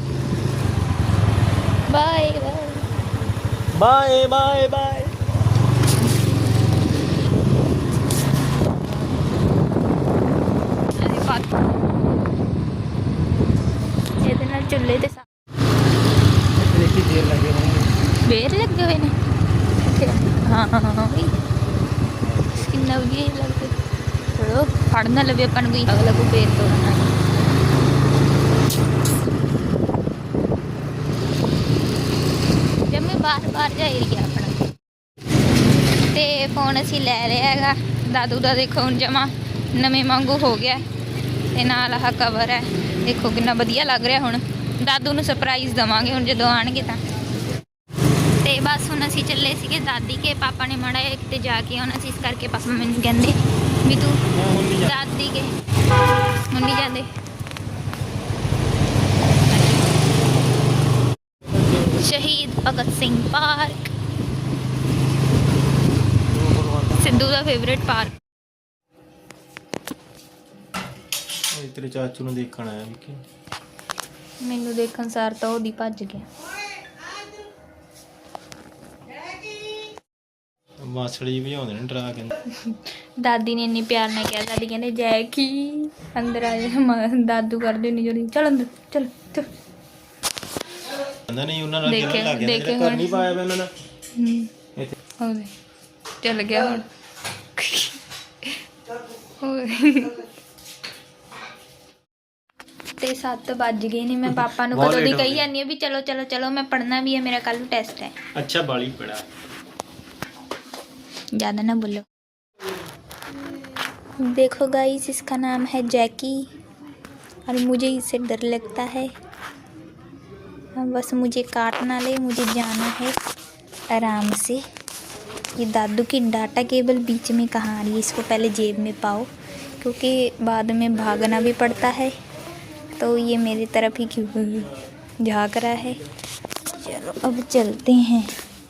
[SPEAKER 2] Bye bye
[SPEAKER 3] bye bye bye.
[SPEAKER 2] ਇਹਦੇ ਨਾਲ ਚੁੱਲ੍ਹੇ ਤੇ
[SPEAKER 3] ਦੇਖੀ ਦੇਰ ਲੱਗੇ ਹੋਣਗੇ।
[SPEAKER 2] ਬੇਰ ਲੱਗੇ ਹੋਏ ਨੇ। ਹਾਂ ਵੀ ਕਿੰਨਾ ਵਧੀਆ ਲੱਗਦਾ। ਚਲੋ ਫੜ ਨਾ ਲਵੇ ਆਪਾਂ ਨੂੰ ਕੋਈ ਅਗਲਾ ਕੋ ਬੇਰ ਤੋੜਨਾ। ਜੰਮੇ ਬਾਹਰ ਜਾ ਏਰੀਆ ਆਪਣਾ। ਤੇ ਫੋਨ ਅਸੀਂ ਲੈ ਲਿਆ ਹੈਗਾ। ਦਾਦੂ ਦਾ ਦੇਖੋ ਹੁਣ ਜਮਾ ਨਵੇਂ ਵਾਂਗੂ ਹੋ ਗਿਆ। ਤੇ ਨਾਲ ਆਹ ਕਵਰ ਹੈ ਦੇਖੋ ਕਿੰਨਾ ਵਧੀਆ ਲੱਗ ਰਿਹਾ। ਹੁਣ ਦਾਦੂ ਨੂੰ ਸਰਪ੍ਰਾਈਜ਼ ਦੇਵਾਂਗੇ ਹੁਣ ਜਦੋਂ ਆਣਗੇ ਤਾਂ। ਤੇ ਬਸ ਹੁਣ ਅਸੀਂ ਚੱਲੇ ਸੀਗੇ ਦਾਦੀ ਕੇ। ਪਾਪਾ ਨੇ ਮਾੜਾ ਜਿਹਾ ਕਿਤੇ ਜਾ ਕੇ ਆਉਣਾ ਸੀ ਇਸ ਕਰਕੇ ਪਾਪਾ ਮੈਨੂੰ ਕਹਿੰਦੇ ਵੀ ਤੂੰ ਦਾਦੀ ਕੇ ਹੁਣ ਨਹੀਂ ਜਾਂਦੇ। ਸ਼ਹੀਦ ਭਗਤ ਸਿੰਘ ਪਾਰਕ ਸਿੱਧੂ ਦਾ ਫੇਵਰੇਟ ਪਾਰਕ।
[SPEAKER 3] ਤੇਰੇ ਚਾਚੂ ਨੂੰ ਦੇਖਣ ਆਇਆ ਵੀ
[SPEAKER 2] ਮੈਨੂੰ ਦੇਖਣ ਸਾਰ ਤਾਂ ਉਹਦੀ ਭੱਜ ਗਿਆ।
[SPEAKER 3] ਮਾਸੜੀ ਭਜਾਉਂਦੇ ਨੇ ਡਰਾ ਕੇ।
[SPEAKER 2] ਦਾਦੀ ਨੇ ਇੰਨੀ ਪਿਆਰ ਨਾਲ ਕਿਹਾ। ਦਾਦੀ ਕਹਿੰਦੇ ਜੈ ਕੀ ਅੰਦਰ ਆ ਜਾ। ਦਾਦੂ ਕਰਦੇ ਨਹੀਂ ਜੋੜੀ ਚਲ ਅੰਦਰ ਚਲ ਚਲ।
[SPEAKER 3] ਕਹਿੰਦਾ ਨਹੀਂ ਉਹਨਾਂ ਨਾਲ
[SPEAKER 2] ਦੇਖੇ-
[SPEAKER 3] ਲੱਗ ਗਿਆ
[SPEAKER 2] ਦੇਖੇ
[SPEAKER 3] ਘਰ ਨਹੀਂ ਪਾਇਆ ਵਾ ਉਹਨਾਂ ਦਾ ਇੱਥੇ।
[SPEAKER 2] ਉਹਦੇ ਚੱਲ ਗਿਆ ਹੁਣ। ਓਏ ਤੇ 7 ਵੱਜ ਗਏ ਨੇ। ਮੈਂ ਪਾਪਾ ਨੂੰ
[SPEAKER 3] ਬਹੁਤ
[SPEAKER 2] ਕਦੋਂ ਦੀ
[SPEAKER 3] late ਹੋ
[SPEAKER 2] ਕਹੀ
[SPEAKER 3] ਗਏ।
[SPEAKER 2] ਜਾਂਦੀ ਆ ਵੀ ਚਲੋ ਚਲੋ ਚਲੋ ਮੈਂ ਪੜ੍ਹਨਾ ਵੀ ਹੈ। ਮੇਰਾ ਕੱਲ टेस्ट है।
[SPEAKER 3] अच्छा बाली पड़ा।
[SPEAKER 2] ज़्यादा ना बोलो। देखो गाइस इसका नाम है जैकी और मुझे इससे डर लगता है। बस मुझे काट ना ले। मुझे जाना है आराम से। ये दादू की डाटा केबल बीच में कहाँ आ रही है। इसको पहले जेब में पाओ क्योंकि बाद में भागना भी पड़ता है। तो ये मेरी तरफ ही क्यों झाँक रहा है। चलो अब चलते हैं।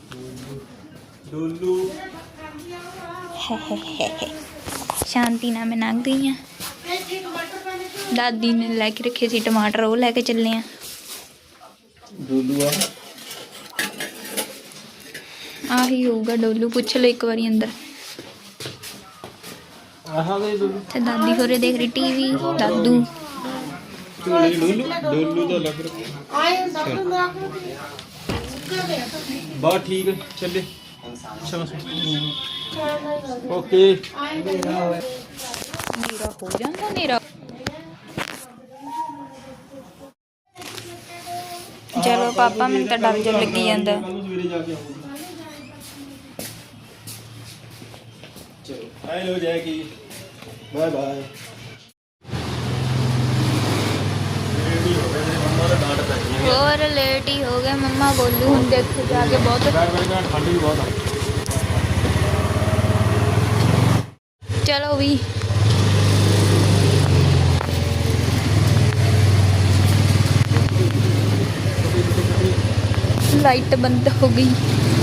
[SPEAKER 2] शांति ना मैं लंघ गई हाँ। दादी ने लैके रखे सी टमाटर वो लैके चले हैं। आही होगा डोलू। पूछ लो एक बारी अंदर। ते दादी होरे देख रही टीवी। दादू
[SPEAKER 3] डोलू तो लग रहा बहुत ठीक है। चले ओके।
[SPEAKER 2] मेरा हो जाता मेरा। चलो पापा मैंने तो डर जो लगी जाता।
[SPEAKER 3] Hello Jackie bye bye.
[SPEAKER 2] और लेट ही हो गए। मम्मा बोलू हूँ देख जाके बहुत
[SPEAKER 3] ठंड भी बहुत है।
[SPEAKER 2] चलो भी लाइट बंद हो गई।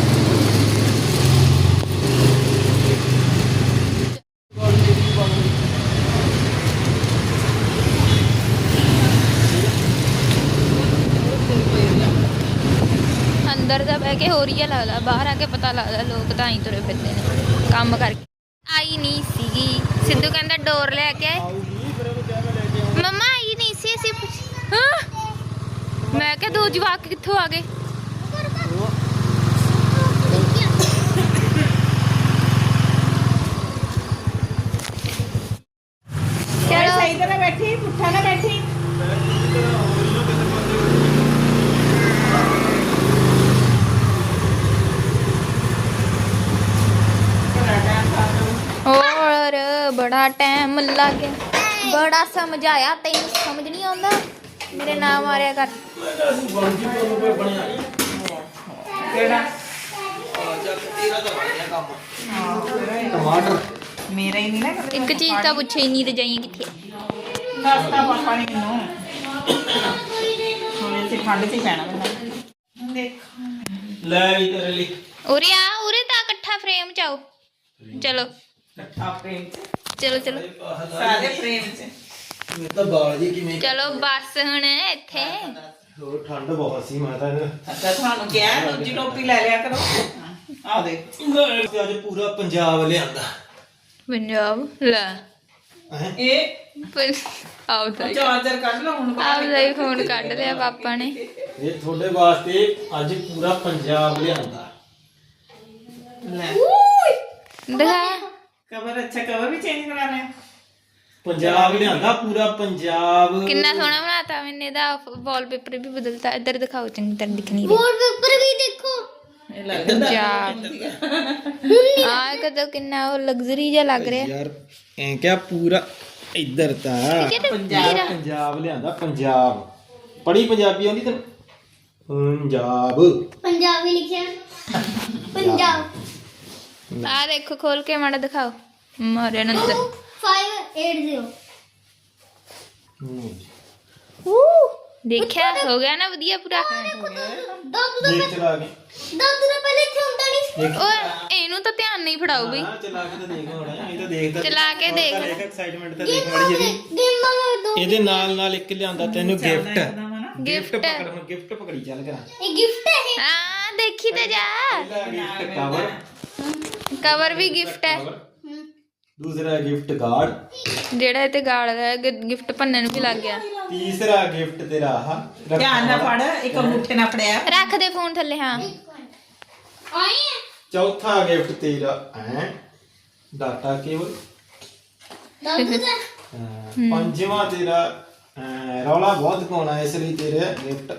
[SPEAKER 2] अंदर दा बह के हो रही है लगता। बाहर आके पता लगता लोग तो ही तुरे फिरते हैं काम करके। आई नहीं सीगी। सिद्धू कहता डोर लैके ਮੰਮਾ ਆਈ ਨਹੀਂ ਸੀ ਅਸੀਂ ਮੈਂ ਕਿਹਾ ਦੋ ਜਵਾਕ ਕਿੱਥੋਂ ਆ ਗਏ। ਚਲੋ
[SPEAKER 1] ਸਹੀ ਤਰ੍ਹਾਂ ਬੈਠੀ, ਪੁੱਠਾ ਨਾ ਬੈਠੀ।
[SPEAKER 2] ਹੋਰ ਬੜਾ ਟਾਈਮ ਲੱਗ ਗਿਆ, ਬੜਾ ਸਮਝ ਆਇਆ। ਤੈਨੂੰ ਸਮਝ ਨਹੀਂ ਆਉਂਦਾ, ਮੇਰੇ ਨਾਮ ਮਾਰਿਆ ਕਰ।
[SPEAKER 1] ਕਿਹੜਾ
[SPEAKER 3] ਟਮਾਟਰ
[SPEAKER 1] ਮੇਰਾ ਹੀ ਨਹੀਂ ਨਾ ਕਦੇ।
[SPEAKER 2] ਇੱਕ ਚੀਜ਼ ਤਾਂ ਪੁੱਛੇ ਹੀ ਨਹੀਂ ਤੇ ਜਾਈਏ ਕਿੱਥੇ।
[SPEAKER 1] ਦੱਸਤਾ ਪਾਪਾ ਨੇ ਮੈਨੂੰ ਹੁਣ ਇੱਥੇ ਠੰਡ 'ਚ ਹੀ ਪੈਣਾ ਮੈਨੂੰ। ਦੇਖ
[SPEAKER 3] ਲੈ ਵੀ ਤੇਰੇ ਲਈ
[SPEAKER 2] ਉਰੇ ਆ, ਉਰੇ ਤਾਂ ਇਕੱਠਾ ਫਰੇਮ ਚ ਆਓ। ਚਲੋ
[SPEAKER 1] ਇਕੱਠਾ ਪ੍ਰੇਮ 'ਚ,
[SPEAKER 2] ਚਲੋ ਚਲੋ
[SPEAKER 1] ਸਾਰੇ ਪ੍ਰੇਮ 'ਚ।
[SPEAKER 3] ਮੈਂ ਤਾਂ ਬਾਲ ਜੀ ਕਿਵੇਂ
[SPEAKER 2] ਚਲੋ ਬਸ ਹੁਣ ਇੱਥੇ
[SPEAKER 3] ਹੋਰ ਠੰਡ ਬਹੁਤ ਸੀ। ਮੈਂ ਤਾਂ
[SPEAKER 1] ਅੱਛਾ ਤੁਹਾਨੂੰ ਕਿਹਾ ਦੂਜੀ ਟੋਪੀ ਲੈ ਲਿਆ ਕਰੋ। ਆਹ ਦੇਖ
[SPEAKER 3] ਅੱਜ ਪੂਰਾ ਪੰਜਾਬ ਲਿਆਂਦਾ
[SPEAKER 2] ਪੰਜਾਬ ਲੈ
[SPEAKER 3] ਹੈ।
[SPEAKER 1] ਇਹ
[SPEAKER 2] ਆਉਦਾ
[SPEAKER 1] ਚਾਰਜਰ ਕੱਢ ਲਓ ਹੁਣ।
[SPEAKER 2] ਆਪਦਾ ਹੀ ਫੋਨ ਕੱਢ ਲਿਆ ਪਾਪਾ ਨੇ।
[SPEAKER 3] ਇਹ ਤੁਹਾਡੇ ਵਾਸਤੇ ਅੱਜ ਪੂਰਾ ਪੰਜਾਬ ਲਿਆਂਦਾ।
[SPEAKER 1] ਲੈ
[SPEAKER 2] ਦਿਖਾ
[SPEAKER 1] ਕਵਰ, ਅੱਛਾ ਕਵਰ ਵੀ ਚੇਂਜ ਕਰਾ ਲਿਆ।
[SPEAKER 3] ਪੰਜਾਬ ਲਿਆਂਦਾ ਪੂਰਾ ਪੰਜਾਬ।
[SPEAKER 2] ਕਿੰਨਾ ਸੋਹਣਾ ਬਣਾਤਾ ਮੈਨੇ ਦਾ। ਵਾਲਪੇਪਰ ਵੀ ਬਦਲਤਾ। ਇੱਧਰ ਦਿਖਾਓ ਚੰਗੀ ਤਰ੍ਹਾਂ ਦਿਖ ਨਹੀਂ ਰਿਹਾ।
[SPEAKER 4] ਵਾਲਪੇਪਰ ਵੀ ਦੇਖੋ।
[SPEAKER 1] ਇਹ ਲੱਗਦਾ
[SPEAKER 2] ਪੰਜਾਬ ਆ ਕਦੋਂ ਕਿੰਨਾ ਉਹ ਲਗਜ਼ਰੀ ਜਿਹਾ ਲੱਗ ਰਿਹਾ।
[SPEAKER 3] ਯਾਰ ਐ ਕਿਆ ਪੂਰਾ ਇੱਧਰ ਤਾਂ ਪੰਜਾਬ ਲਿਆਂਦਾ। ਪੰਜਾਬ ਪੜੀ ਪੰਜਾਬੀ ਆਉਂਦੀ ਤੈਨੂੰ? ਪੰਜਾਬ
[SPEAKER 4] ਪੰਜਾਬੀ ਲਿਖਿਆ ਪੰਜਾਬ।
[SPEAKER 2] ਆ ਦੇਖੋ ਖੋਲ ਕੇ ਮਾੜਾ ਦਿਖਾਓ ਮਾਰੇ ਨੰਦਰ।
[SPEAKER 4] 580
[SPEAKER 2] ਦੇਖਿਆ ਹੋ ਗਿਆ ਨਾ ਵਧੀਆ ਪੂਰਾ।
[SPEAKER 4] ਦਾਦੂ ਦਾ
[SPEAKER 3] ਦੇਖ ਚਲਾ ਕੇ
[SPEAKER 4] ਦਾਦੂ ਦਾ ਪਹਿਲੇ ਇੱਥੇ ਹੁੰਦਾ ਨਹੀਂ ਸੀ।
[SPEAKER 2] ਓਏ ਇਹਨੂੰ ਤਾਂ ਧਿਆਨ ਨਹੀਂ ਫੜਾਓ ਬਈ।
[SPEAKER 3] ਹਾਂ ਚਲਾ ਕੇ ਤਾਂ ਦੇਖ ਹੁਣ ਇਹ ਤਾਂ ਦੇਖਦਾ
[SPEAKER 2] ਚਲਾ ਕੇ ਦੇਖ।
[SPEAKER 3] ਐਕਸਾਈਟਮੈਂਟ ਤਾਂ ਦੇਖ ਮੜੀ ਜਿਹੀ।
[SPEAKER 4] ਗੇਮਾਂ ਦਾ ਦੋ
[SPEAKER 3] ਇਹਦੇ ਨਾਲ ਇੱਕ ਲਿਆਂਦਾ ਤੈਨੂੰ ਗਿਫਟ। ਗਿਫਟ
[SPEAKER 2] ਗਿਫਟ
[SPEAKER 3] ਪਕੜ ਹੁਣ ਗਿਫਟ ਪਕੜੀ ਚੱਲ ਕਰਾਂ।
[SPEAKER 4] ਇਹ ਗਿਫਟ ਹੈ ਇਹ।
[SPEAKER 2] ਹਾਂ ਦੇਖੀ ਤੇ ਜਾ।
[SPEAKER 3] ਗਿਫਟ ਕਵਰ,
[SPEAKER 2] ਕਵਰ ਵੀ ਗਿਫਟ ਹੈ।
[SPEAKER 3] ਦੂਸਰਾ ਗਿਫਟ ਗਾਰਡ,
[SPEAKER 2] ਜਿਹੜਾ ਇਹ ਤੇ ਗਾਲ ਦਾ ਗਿਫਟ ਭੰਨਣ ਨੂੰ ਵੀ ਲੱਗ ਗਿਆ।
[SPEAKER 3] ਤੀਸਰਾ ਗਿਫਟ ਤੇਰਾ ਆਹ
[SPEAKER 1] ਧਿਆਨ ਨਾਲ ਫੜ, ਇੱਕ ਅੰਗੂਠੇ ਨਾਲ ਫੜਿਆ।
[SPEAKER 2] ਰੱਖ ਦੇ ਫੋਨ ਥੱਲੇ। ਹਾਂ
[SPEAKER 4] ਆਏ ਹੈ
[SPEAKER 3] ਚੌਥਾ ਗਿਫਟ ਤੇਰਾ ਡਾਟਾ ਕੇਬਲ।
[SPEAKER 4] ਦਾਦੂ ਦਾ
[SPEAKER 3] ਪੰਜਵਾਂ ਤੇਰਾ ਰੌਲਾ ਬਹੁਤ ਪਾਉਣਾ ਇਸ ਲਈ ਤੇਰੇ ਗਿਫਟ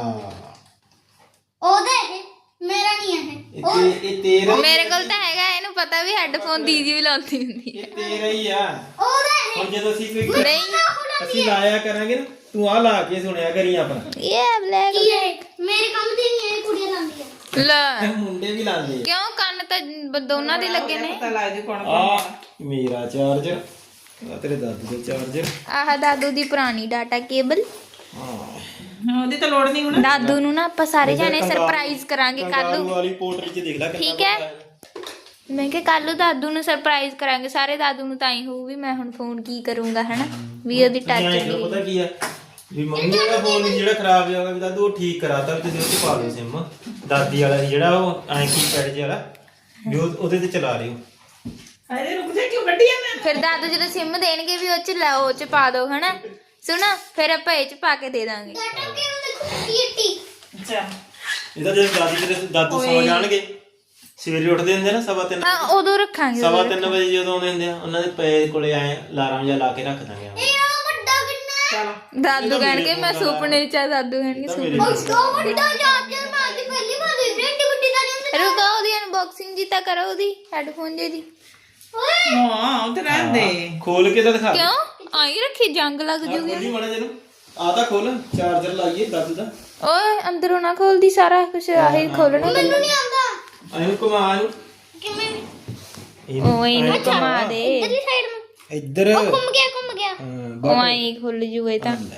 [SPEAKER 4] ਉਹਦਾ ਹੈ ਮੇਰਾ ਨਹੀਂ ਹੈ।
[SPEAKER 3] ਇਹ ਤੇਰਾ
[SPEAKER 2] ਮੇਰੇ ਕੋਲ ਤਾਂ ਹੈਗਾ। ਇਹਨੂੰ ਪਤਾ ਵੀ ਹੈੱਡਫੋਨ ਦੀਦੀ ਵੀ ਲਾਉਂਦੀ ਹੁੰਦੀ ਹੈ।
[SPEAKER 3] ਇਹ ਤੇਰਾ ਹੀ ਆ।
[SPEAKER 4] ਉਹਦਾ ਹੈ
[SPEAKER 3] ਹੁਣ ਜਦੋਂ ਅਸੀਂ
[SPEAKER 2] ਨਹੀਂ
[SPEAKER 3] ਅਸੀਂ ਲਾਇਆ ਕਰਾਂਗੇ ਨਾ, ਤੂੰ ਆ ਲਾ ਕੇ ਸੁਣਿਆ ਕਰੀ ਆਪਣਾ।
[SPEAKER 2] ਇਹ ਬਲੈਕ
[SPEAKER 4] ਕੀ ਹੈ ਮੇਰੇ ਕੰਮ ਦੀ ਨਹੀਂ ਹੈ। ਕੁੜੀਆਂ ਲਾਉਂਦੀਆਂ
[SPEAKER 2] ਲੈ
[SPEAKER 3] ਮੁੰਡੇ ਵੀ ਲਾਉਂਦੇ
[SPEAKER 2] ਕਿਉਂ ਕੰਨ ਤਾਂ ਦੋਨਾਂ ਦੇ ਲੱਗੇ ਨੇ।
[SPEAKER 1] ਪਤਾ ਲੱਗ ਜੂ ਕੌਣ
[SPEAKER 3] ਆ ਮੇਰਾ ਚਾਰਜਰ, ਆ ਤੇਰੇ ਦਾਦੂ ਦਾ ਚਾਰਜਰ।
[SPEAKER 2] ਆਹ ਦਾਦੂ ਦੀ ਪੁਰਾਣੀ ਡਾਟਾ ਕੇਬਲ।
[SPEAKER 1] ਉਹਦੀ ਤਾਂ ਲੋੜ ਨਹੀਂ ਹੁਣ।
[SPEAKER 2] ਦਾਦੂ ਨੂੰ ਨਾ ਆਪਾਂ ਸਾਰੇ ਜਾਣੇ ਸਰਪ੍ਰਾਈਜ਼ ਕਰਾਂਗੇ ਕੱਲ ਨੂੰ।
[SPEAKER 3] ਵਾਲੀ ਪੋਰਟਰੀ ਚ ਦੇਖ ਲੈ ਕਿੰਨਾ
[SPEAKER 2] ਠੀਕ ਹੈ। ਮੈਂ ਕਿਹਾ ਕੱਲ ਨੂੰ ਦਾਦੂ ਨੂੰ ਸਰਪ੍ਰਾਈਜ਼ ਕਰਾਂਗੇ ਸਾਰੇ। ਦਾਦੂ ਨੂੰ ਤਾਂ ਹੀ ਹੋਊ ਵੀ ਮੈਂ ਹੁਣ ਫੋਨ ਕੀ ਕਰੂੰਗਾ ਹਨਾ, ਵੀ ਉਹਦੀ ਟੱਚ
[SPEAKER 3] ਨਹੀਂ ਪਤਾ ਕੀ ਆ ਵੀ ਮੰਮੀ ਦਾ ਫੋਨ ਜਿਹੜਾ ਖਰਾਬ ਹੋ ਗਿਆ ਵੀ ਦਾਦੂ ਉਹ ਠੀਕ ਕਰਾਤਾ ਵੀ ਤੁਸੀਂ ਉੱਤੇ ਪਾ ਲਓ ਸਿਮ। ਦਾਦੀ ਵਾਲਾ ਸੀ ਜਿਹੜਾ ਉਹ ਐਂ ਕੀਪੈਡ ਜਿਹਾ ਵਾਲਾ ਵੀ ਉਹਦੇ ਤੇ ਚਲਾ ਰਹੇ ਹੋ।
[SPEAKER 1] ਅਰੇ ਰੁਕ ਜਾ, ਕਿਉਂ ਕੱਢੀ ਜਾਂਦਾ?
[SPEAKER 2] ਫਿਰ ਦਾਦੂ ਜਦੋਂ ਸਿਮ ਦੇਣਗੇ ਵੀ ਉਹ ਚ ਲਾਓ, ਉਹ ਚ ਪਾ ਦਿਓ ਹਨਾ। ਸੁਣਾ ਫਿਰ ਆਪਾਂ ਇਹ ਚ ਪਾ ਕੇ ਦੇ ਦਾਂਗੇ।
[SPEAKER 4] ਡਾਟਾ ਕੇਬਲ ਦੇਖੋ ਟੀਟੀ।
[SPEAKER 1] ਅੱਛਾ
[SPEAKER 3] ਇਹਦਾ ਜਦੋਂ ਦਾਦੂ ਸੌ ਜਾਣਗੇ, ਸਵੇਰੇ ਉੱਠਦੇ ਹੁੰਦੇ ਨਾ 3:30
[SPEAKER 2] ਹਾਂ ਉਦੋਂ ਰੱਖਾਂਗੇ।
[SPEAKER 3] 3:30 ਵਜੇ ਜਦੋਂ ਆਉਂਦੇ ਹੁੰਦੇ ਆ, ਉਹਨਾਂ ਦੇ ਪੈ ਕੋਲੇ ਆਏ ਅਲਾਰਮ ਜਿਹਾ ਲਾ ਕੇ ਰੱਖ ਦਾਂਗੇ।
[SPEAKER 4] ਇਹ ਆ ਵੱਡਾ ਕਿੰਨਾ ਹੈ।
[SPEAKER 1] ਚਲ
[SPEAKER 2] ਦਾਦੂ ਕਹਿਣਗੇ ਮੈਂ ਸੁਪਨੇ ਚ ਆ। ਦਾਦੂ ਕਹਿਣਗੇ ਸੁਪਨੇ
[SPEAKER 4] ਉਹ ਵੱਡਾ ਚਾਰਜਰ ਮੈਂ ਅੱਜ ਪਹਿਲੀ ਵਾਰ ਦੇਖ ਰਿਹਾ। ਏਡੀ ਵੱਡੀ ਦਾ ਨਹੀਂ ਹੁੰਦਾ।
[SPEAKER 2] ਰੁਕੋ ਉਹਦੀ ਅਨਬਾਕਸਿੰਗ ਜੀ ਤਾਂ ਕਰੋ ਉਹਦੀ ਹੈੱਡਫੋਨ ਜੀ ਦੀ।
[SPEAKER 4] ਓਏ
[SPEAKER 1] ਹਾਂ ਉਹ ਤੇ ਰਹਿਣ ਦੇ।
[SPEAKER 3] ਖੋਲ ਕੇ ਤਾਂ ਦਿਖਾ
[SPEAKER 2] ਕਿਉਂ ਆਈ ਰੱਖੀ ਜੰਗ ਲੱਗ ਜੂਗੀ।
[SPEAKER 3] ਖੋਲੀ ਮਾੜਾ ਜਿਹਨੂੰ ਆ ਤਾਂ ਖੋਲ। ਚਾਰਜਰ ਲਾਈਏ ਦਾਦੂ ਦਾ।
[SPEAKER 2] ਓਏ ਅੰਦਰੋਂ ਨਾ ਖੋਲਦੀ ਸਾਰਾ ਕੁਝ ਆਹੀ ਖੋਲਣਾ।
[SPEAKER 4] ਮੈਨੂੰ ਨਹੀਂ ਆਉਂਦਾ
[SPEAKER 3] ਇਹਨੂੰ ਘੁਮਾ ਇਹਨੂੰ
[SPEAKER 4] ਕਿਵੇਂ।
[SPEAKER 2] ਓਏ ਇਹਨੂੰ ਘੁਮਾ ਦੇ।
[SPEAKER 4] ਇਧਰਲੀ ਸਾਈਡ ਨੂੰ
[SPEAKER 3] ਇੱਧਰ
[SPEAKER 4] ਘੁੰਮ ਗਿਆ।
[SPEAKER 2] ਉਹ ਆਈ ਖੁੱਲ ਜੂ ਇਹ ਤਾਂ।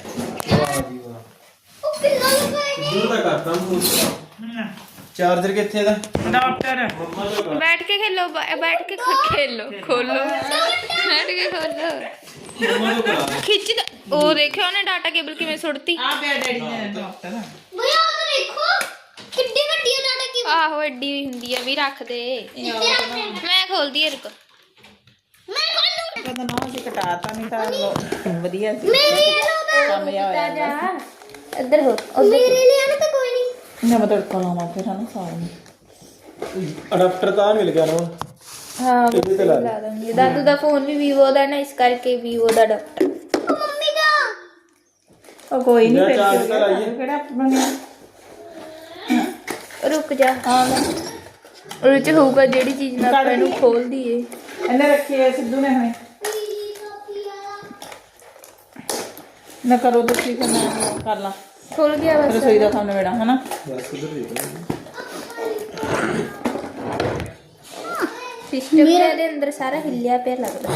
[SPEAKER 4] ਉਹ ਕਿੰਨਾ ਲੱਗਾ ਹੈ।
[SPEAKER 3] ਦੂਰ ਦਾ ਕਰਤਾ ਮੂੰਹ। ਚਾਰਜਰ ਕਿੱਥੇ ਦਾ?
[SPEAKER 1] ਡਾਕਟਰ
[SPEAKER 3] ਮੰਮਾ ਦਾ ਕਰ।
[SPEAKER 2] ਬੈਠ ਕੇ ਖੇਲੋ ਬੈਠ ਕੇ ਖੇਲੋ ਖੋਲੋ ਬੈਠ ਕੇ ਖੋਲੋ।
[SPEAKER 3] ਮੰਮਾ ਤੋਂ ਕਰਾ ਦੇ।
[SPEAKER 2] ਖਿੱਚ ਉਹ ਦੇਖਿਓ ਉਹਨੇ ਡਾਟਾ ਕੇਬਲ ਕਿਵੇਂ ਸੁੱਟਤੀ।
[SPEAKER 1] ਆ ਪਿਆ ਡੈਡੀ ਨੇ ਡਾਕਟਰ।
[SPEAKER 4] ਭਈ ਆ ਤਾਂ ਦੇਖੋ ਕਿੱਡੀ ਵੱਡੀ ਹੈ ਡਾਟਾ ਕੇਬਲ।
[SPEAKER 2] ਆਹੋ ਐਡੀ ਵੀ ਹੁੰਦੀ ਆ ਵੀ ਰੱਖ ਦੇ।
[SPEAKER 4] ਇੱਥੇ ਰੱਖ ਲੈਣਾ।
[SPEAKER 2] ਮੈਂ ਖੋਲਦੀ ਆ ਰੁਕੋ।
[SPEAKER 4] ਮੈਂ ਖੋਲੂ।
[SPEAKER 1] ਪਤਾ ਨਾ ਅਸੀਂ ਕਟਾਤਾ ਨਹੀਂ ਤਾਂ ਵਧੀਆ ਸੀ।
[SPEAKER 4] ਮੇਰੀ ਇਹ
[SPEAKER 1] ਕੰਮ ਜਿਹਾ ਹੋਇਆ
[SPEAKER 2] ਜਾ ਇੱਧਰ ਹੋ
[SPEAKER 4] ਮੇਰੇ ਲਈ ਨਾ ਤਾਂ ਕੋਈ ਨਹੀਂ।
[SPEAKER 1] ਨਾ ਮੈਂ ਤੜਕਾ ਲਾਵਾਂ ਫਿਰ ਹਨਾ ਸਾਗ ਨੂੰ।
[SPEAKER 3] ਅਡਾਪਟਰ ਤਾਂ ਮਿਲ ਗਿਆ ਨਾ ਹੁਣ।
[SPEAKER 2] ਹਾਂ
[SPEAKER 3] ਇਹਦੇ ਤੇ ਲਾ ਦੇ।
[SPEAKER 2] ਲਾ ਦਾਂਗੇ। ਦਾਦੂ ਦਾ ਫੋਨ ਵੀ ਵੀਵੋ ਦਾ ਨਾ, ਇਸ ਕਰਕੇ ਵੀਵੋ ਦਾ ਅਡਾਪਟਰ।
[SPEAKER 4] ਮੰਮੀ ਦਾ
[SPEAKER 1] ਉਹ ਕੋਈ ਨਹੀਂ
[SPEAKER 3] ਲੈ
[SPEAKER 1] ਫਿਰ
[SPEAKER 3] ਚਾਰਜ
[SPEAKER 1] ਕੀ ਹੋ
[SPEAKER 3] ਤਾਂ
[SPEAKER 1] ਗਿਆ,
[SPEAKER 3] ਲਾਈਏ।
[SPEAKER 1] ਕਿਹੜਾ ਬਣਿਆ।
[SPEAKER 2] ਰੁਕ ਜਾ
[SPEAKER 1] ਹਾਂ ਲੈ
[SPEAKER 2] ਉਹਦੇ ਚ ਹੋਊਗਾ ਜਿਹੜੀ ਚੀਜ਼ ਨਾਲ ਆਪਾਂ ਇਹਨੂੰ ਖੋਲ ਦਈਏ।
[SPEAKER 1] ਇਹਨੇ ਰੱਖੀ ਹੈ ਸਿੱਧੂ ਨੇ ਹੁਣੇ ਨਾ ਕਰੋ ਤੁਸੀਂ ਫਿਰ ਮੈਂ ਕਰ ਲਾਂ
[SPEAKER 2] ਖੁੱਲ ਗਿਆ ਬਸ।
[SPEAKER 1] ਰਸੋਈ ਦਾ ਕੰਮ ਨਵੇੜਾ ਹਨਾ।
[SPEAKER 3] ਬਸ ਉਧਰ ਦੇਖ
[SPEAKER 2] ਸਿਸਟਮ ਦੇ ਅੰਦਰ ਸਾਰਾ ਹਿੱਲਿਆ ਪਿਆ ਲੱਗਦਾ।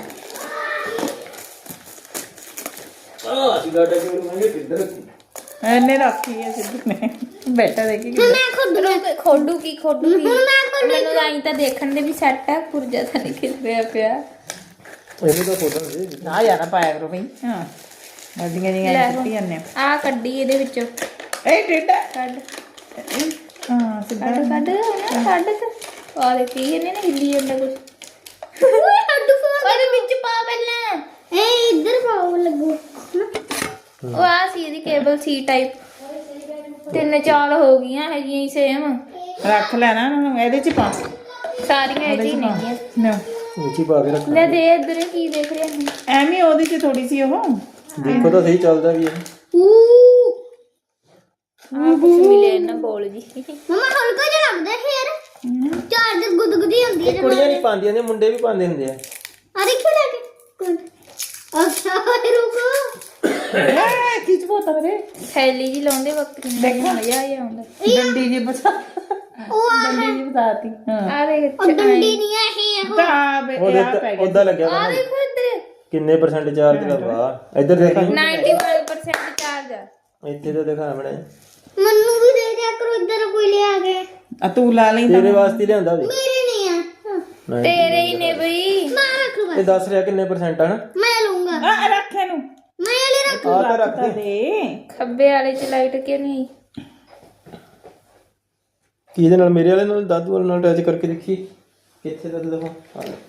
[SPEAKER 3] ਅਸੀਂ ਗਾਟਾ ਕਿਉਂ ਮੰਗੇ ਕਿੱਧਰ
[SPEAKER 1] ਇਹਨੇ ਰੱਖੀ ਹੈ ਸਿੱਧੂ ਨੇ ਬੈਠਾ ਦੇਖੀ
[SPEAKER 4] ਮੈਂ ਖੁਦ
[SPEAKER 2] ਖੋਡੂ ਕੀ ਖੋਡੂ ਕੀ
[SPEAKER 4] ਹੁਣ ਮੈਂ ਖੋਲੂ।
[SPEAKER 2] ਮੈਨੂੰ ਆਈ ਤਾਂ ਦੇਖਣ ਦੇ ਵੀ ਸੈੱਟ ਆ, ਪੁਰਜਾ ਤਾਂ ਨਹੀਂ ਖਿਲਰਿਆ ਪਿਆ।
[SPEAKER 3] ਇਹਨੂੰ ਤਾਂ ਫੋਟੋ ਦੇ
[SPEAKER 1] ਨਾ ਯਾਰਾ ਪਾਇਆ ਕਰੋ ਬਈ। ਹਾਂ ਗੱਡੀਆਂ
[SPEAKER 2] ਲੈ
[SPEAKER 1] ਦੀਆਂ
[SPEAKER 2] ਹੁਣ।
[SPEAKER 1] ਕੱਟੀ ਜਾਂਦੇ
[SPEAKER 2] ਆ ਕੱਢੀ ਇਹਦੇ ਵਿੱਚੋਂ।
[SPEAKER 1] ਇਹ ਟਿੱਡਾ
[SPEAKER 2] ਕੱਢ
[SPEAKER 1] ਹਾਂ ਸਿੱਧਾ
[SPEAKER 2] ਕੱਢ ਕੱਢ ਕੱਢ ਆ ਦੇਖੀ ਇਹਨੇ ਨਾ ਹਿੱਲੀ ਜਾਂਦਾ ਕੁਝ।
[SPEAKER 4] ਹੱਡੂ ਫੋਨ
[SPEAKER 2] ਉਹਦੇ ਵਿੱਚ ਪਾ ਪਹਿਲਾਂ।
[SPEAKER 4] ਏ ਇੱਧਰ ਪਾਉ ਲੱਗੂ।
[SPEAKER 2] ਉਹ ਆ ਸੀ ਇਹਦੀ ਕੇਬਲ ਸੀ ਟਾਈਪ। 3-4 ਹੋ ਗਈਆਂ ਹੈਗੀਆਂ ਹੀ ਸੇਮ।
[SPEAKER 1] ਰੱਖ ਲੈਣਾ ਇਹਨੂੰ ਇਹਦੇ ਚ ਪਾ
[SPEAKER 2] ਸਾਰੀਆਂ ਇਹ 'ਚ ਹੀ ਨੇਗੀਆਂ।
[SPEAKER 1] ਨਾ
[SPEAKER 3] ਵਿੱਚ ਹੀ ਪਾ ਕੇ ਰੱਖ।
[SPEAKER 2] ਲੈ ਦੇ ਇੱਧਰ ਕੀ ਦੇਖ ਰਿਹਾ ਹੈ।
[SPEAKER 1] ਐਵੇਂ ਉਹਦੇ ਚ ਥੋੜੀ ਸੀ ਉਹ
[SPEAKER 3] ਦੇਖੋ ਤਾਂ ਸਹੀ ਚੱਲਦਾ ਵੀ ਹੈ।
[SPEAKER 2] ਆ ਕੁਝ ਮਿਲੇ ਨਾ ਬੋਲ ਜੀ।
[SPEAKER 4] ਮਮਾ ਹਲਕਾ ਜਿਹਾ ਲੱਗਦਾ ਫੇਰ ਚਾਰਜਰ ਗੁਦਗੁਦੀ ਹੁੰਦੀ ਹੈ
[SPEAKER 3] ਕੁੜੀਆਂ ਨਹੀਂ ਪਾਉਂਦੀਆਂ ਨੇ ਮੁੰਡੇ ਵੀ ਪਾਉਂਦੇ ਹੁੰਦੇ ਆ।
[SPEAKER 4] ਆ ਦੇਖੋ ਲੈ ਕੇ ਅੱਛਾ ਰੁਕੋ
[SPEAKER 1] ਐ ਖਿੱਚ ਬੋਤਾ ਮੇਰੇ
[SPEAKER 2] ਥੈਲੀ ਜੀ ਲਾਉਂਦੇ ਵਕਤ
[SPEAKER 1] ਦੇਖੋ।
[SPEAKER 2] ਮਜ਼ਾ ਆ ਆਉਂਦਾ।
[SPEAKER 1] ਡੰਡੀ ਜੀ ਬਸਾ
[SPEAKER 4] ਉਹ ਆ
[SPEAKER 1] ਡੰਡੀ ਜੀ ਬਸਾਤੀ ਹਾਂ
[SPEAKER 2] ਆ ਦੇਖ
[SPEAKER 4] ਉਹ ਡੰਡੀ ਨਹੀਂ ਹੈ ਇਹ ਉਹ
[SPEAKER 1] ਤਾਂ ਬੇ
[SPEAKER 3] ਉਹਦੇ
[SPEAKER 1] ਆ ਪੈ ਗਿਆ
[SPEAKER 3] ਉਹਦਾ ਲੱਗਿਆ
[SPEAKER 2] ਆ
[SPEAKER 3] ਹੋਣਾ।
[SPEAKER 2] ਦੇਖੋ ਇੱਧਰ
[SPEAKER 3] ਕਿੰਨੇ % ਚਾਰਜ ਦਾ ਵਾ ਇੱਧਰ ਦੇਖ
[SPEAKER 2] 91% ਚਾਰਜ ਆ।
[SPEAKER 3] ਇੱਥੇ ਤਾਂ ਦਿਖਾ ਬਣਾ
[SPEAKER 4] ਮੈਨੂੰ ਵੀ ਦੇ ਦਿਆ ਕਰੋ ਇੱਧਰ ਕੋਈ ਲਿਆ ਕੇ
[SPEAKER 1] ਆ ਤੂੰ ਲਾ ਲਈ
[SPEAKER 3] ਤੇਰੇ ਵਾਸਤੇ ਹੀ ਲਿਆਂਦਾ ਵੀ
[SPEAKER 4] ਮੇਰੇ ਨਹੀਂ ਆ ਹਾਂ,
[SPEAKER 2] ਤੇਰੇ ਹੀ ਨੇ ਬਈ।
[SPEAKER 4] ਮੈਂ ਰੱਖ ਲੂਗਾ
[SPEAKER 3] ਇਹ ਦੱਸ ਰਿਹਾ ਕਿੰਨੇ % ਆ ਨਾ
[SPEAKER 4] ਮੈਂ ਲਊਂਗਾ
[SPEAKER 1] ਆ ਰੱਖ ਇਹਨੂੰ
[SPEAKER 4] ਮੈਂ ਲੈ ਰੱਖ
[SPEAKER 3] ਆ ਤਾਂ ਰੱਖ
[SPEAKER 1] ਤਾਂ
[SPEAKER 3] ਦੇ
[SPEAKER 1] ਦੇ
[SPEAKER 2] ਖੱਬੇ ਵਾਲੇ ਚ ਲਾਈਟ ਕਿਉਂ ਨਹੀਂ ਆਈ?
[SPEAKER 3] ਕੀ ਇਹਦੇ ਨਾਲ ਮੇਰੇ ਵਾਲੇ ਨਾਲ ਦਾਦੂ ਵਾਲੇ ਨਾਲ ਅਟੈਚ ਕਰਕੇ ਦੇਖੀ ਕਿੱਥੇ ਦਾ ਦੇਖੋ ਆ ਲੈ।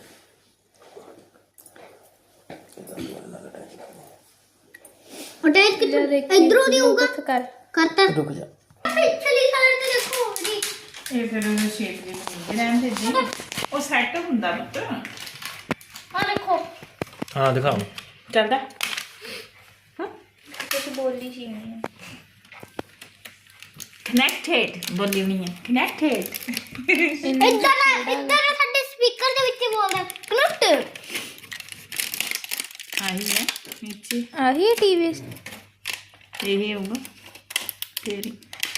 [SPEAKER 4] ਅਟੈਚ
[SPEAKER 2] ਲੈ ਦੇਖ
[SPEAKER 4] ਇਧਰੋਂ ਦੀ ਹੋਊਗਾ
[SPEAKER 2] ਕਰ।
[SPEAKER 4] ਕਰਤਾ
[SPEAKER 3] ਰੁਕ ਜਾ
[SPEAKER 4] ਪਿਛਲੀ ਸਾਈਡ ਤੇ ਦੇਖੋ ਜੀ
[SPEAKER 1] ਇਹ ਫਿਰ ਉਹ ਸ਼ੇਪ ਦੇ ਰਹਿਣ ਦੇ ਜੀ ਉਹ ਸੈੱਟ ਹੁੰਦਾ ਪੁੱਤ
[SPEAKER 4] ਆ ਦੇਖੋ
[SPEAKER 3] ਹਾਂ ਦਿਖਾਓ
[SPEAKER 1] ਚੱਲਦਾ
[SPEAKER 2] ਕੁਝ ਬੋਲੀ ਸੀ ਨਹੀਂ।
[SPEAKER 1] ਕਨੈਕਟਡ ਬੋਲੀ ਨਹੀਂ ਹੈ ਕਨੈਕਟਡ
[SPEAKER 4] ਇੱਧਰ ਸਾਡੇ ਸਪੀਕਰ ਦੇ ਵਿੱਚ ਬੋਲਦਾ ਕਨੈਕਟ
[SPEAKER 1] ਆਹੀ ਹੈ ਨੀਚੇ
[SPEAKER 2] ਆਹੀ ਟੀਵੀ।
[SPEAKER 1] ਇਹ ਹੋਊਗਾ ਤੇਰੀ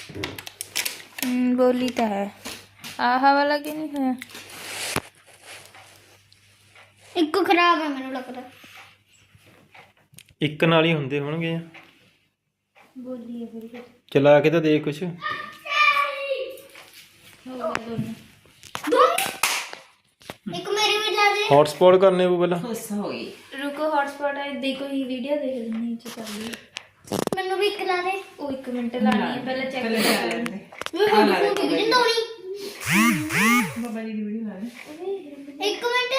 [SPEAKER 2] ਬੋਲੀ ਤਾਂ ਹੈ। ਆਹ ਵਾਲਾ ਕਿ ਨਹੀਂ ਹੈ?
[SPEAKER 4] ਇੱਕ ਖਰਾਬ ਹੈ ਮੈਨੂੰ ਲੱਗਦਾ
[SPEAKER 3] ਇੱਕ ਨਾਲ ਹੀ ਹੁੰਦੇ ਹੋਣਗੇ
[SPEAKER 2] ਬੋਲੀ ਹੈ ਫਿਰ
[SPEAKER 3] ਚਲਾ ਕੇ ਤਾਂ ਦੇਖ ਕੁਛ
[SPEAKER 4] ਇੱਕ ਮੇਰੇ ਵੀ ਲਾ ਦੇ
[SPEAKER 3] ਹੌਟਸਪੌਟ ਕਰਨੇ ਉਹ ਪਹਿਲਾਂ
[SPEAKER 1] ਖੁਸ਼ ਹੋ ਗਈ
[SPEAKER 2] ਰੁਕੋ ਹੌਟਸਪੌਟ ਹੈ ਦੇਖੋ ਹੀ ਵੀਡੀਓ ਦੇਖ ਲੈਣੀ ਚ ਕਰ ਲਈ।
[SPEAKER 4] ਮੈਨੂੰ ਵੀ ਇੱਕ ਲਾ ਦੇ
[SPEAKER 2] ਉਹ 1 ਮਿੰਟ ਲਾਣੀ ਹੈ ਪਹਿਲਾਂ ਚੈੱਕ
[SPEAKER 1] ਪਹਿਲੇ
[SPEAKER 2] ਕਰ
[SPEAKER 1] ਚੱਲ ਲੈਂਦੇ
[SPEAKER 4] ਮੈਂ ਹੁਣ ਕਿਉਂ ਜਿੰਦੋਣੀ
[SPEAKER 1] ਬਾਬਾ ਜੀ ਦੀ ਵੀਡੀਓ ਲਾ ਦੇ
[SPEAKER 4] ਇੱਕ ਮਿੰਟ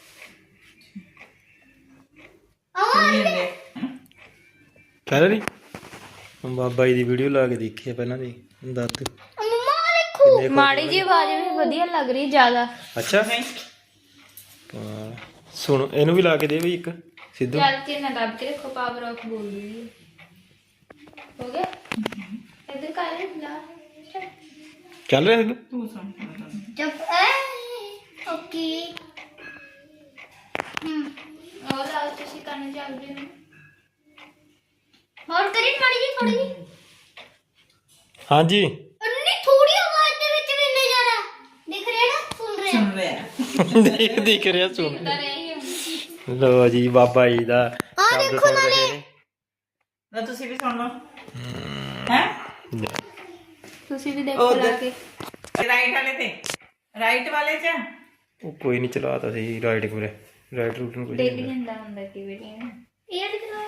[SPEAKER 3] ਕਹਿ ਰਹੀ ਬਾਬਾ ਜੀ ਦੀ ਵੀਡੀਓ ਲਾ ਕੇ ਦੇਖੀ ਆ ਪਹਿਲਾਂ ਦੀ ਦਾਦੂ
[SPEAKER 4] ਮੰਮਾ ਦੇਖੋ
[SPEAKER 2] ਮਾੜੀ ਜੀ ਆਵਾਜ਼ ਵੀ ਵਧੀਆ ਲੱਗ ਰਹੀ ਜ਼ਿਆਦਾ।
[SPEAKER 3] ਅੱਛਾ ਹਾਂ, ਸੁਣ ਇਹਨੂੰ ਵੀ ਲਾ ਕੇ ਦੇ ਵੀ ਇੱਕ ਸਿੱਧੂ
[SPEAKER 2] ਚੱਲ ਕੇ ਨਾ ਦੱਬ ਕੇ ਰੱਖੋ ਪਾਵਰ ਆਫ ਬੋਲ ਰਹੀ ਹੈ। ਹੋ ਗਿਆ ਇੱਧਰ ਕਰ ਲਾ।
[SPEAKER 3] ਚੱਲ ਰਿਹਾ ਸਿੱਧੂ
[SPEAKER 1] ਤੂੰ ਸੁਣ
[SPEAKER 4] ਜਬ ਓਕੇ
[SPEAKER 2] और आओ तुसी करने चल रहे हो।
[SPEAKER 4] ਹੋਰ ਕਰੀ ਮਾੜੀ ਜੀ ਥੋੜੀ ਜੀ
[SPEAKER 3] ਹਾਂਜੀ
[SPEAKER 4] ਅੰਨੀ ਥੋੜੀ ਆਵਾਜ਼ ਦੇ ਵਿੱਚ ਵੀ ਇੰਨੇ ਜ਼ਿਆਦਾ ਦਿਖ ਰਿਹਾ ਨਾ ਸੁਣ ਰਿਹਾ
[SPEAKER 1] ਸੁਣ ਰਿਹਾ
[SPEAKER 3] ਦੇਖ ਰਿਹਾ ਸੁਣ
[SPEAKER 2] कर रही हूं।
[SPEAKER 3] ਲੋ ਜੀ ਬਾਬਾ ਜੀ ਦਾ
[SPEAKER 4] ਆ
[SPEAKER 3] ਸ਼ਬਦ
[SPEAKER 4] ਦੇਖੋ
[SPEAKER 3] ਸੁਣ ਰਹੇ
[SPEAKER 4] ਨਾਲੇ
[SPEAKER 3] ਨੇ
[SPEAKER 1] ਨਾ ਤੁਸੀਂ ਵੀ ਸੁਣ ਲਓ ਹੈ
[SPEAKER 2] तुसी भी देखो
[SPEAKER 1] उधर।
[SPEAKER 2] ला के।
[SPEAKER 1] ਰਾਈਟ ਵਾਲੇ ਤੇ ਰਾਈਟ ਵਾਲੇ ਚ
[SPEAKER 3] ਉਹ ਕੋਈ ਨਹੀਂ ਚਲਾਤਾ ਸੀ ਰਾਈਟ ਕੋਲੇ ਰਾਈਟ ਰੂਟ ਨੂੰ ਕੋਈ
[SPEAKER 2] देख
[SPEAKER 3] ਨਹੀਂ
[SPEAKER 2] लेंदा हुंदा की वीडियो
[SPEAKER 4] ਇਹ ਦਿਖ ਰਿਹਾ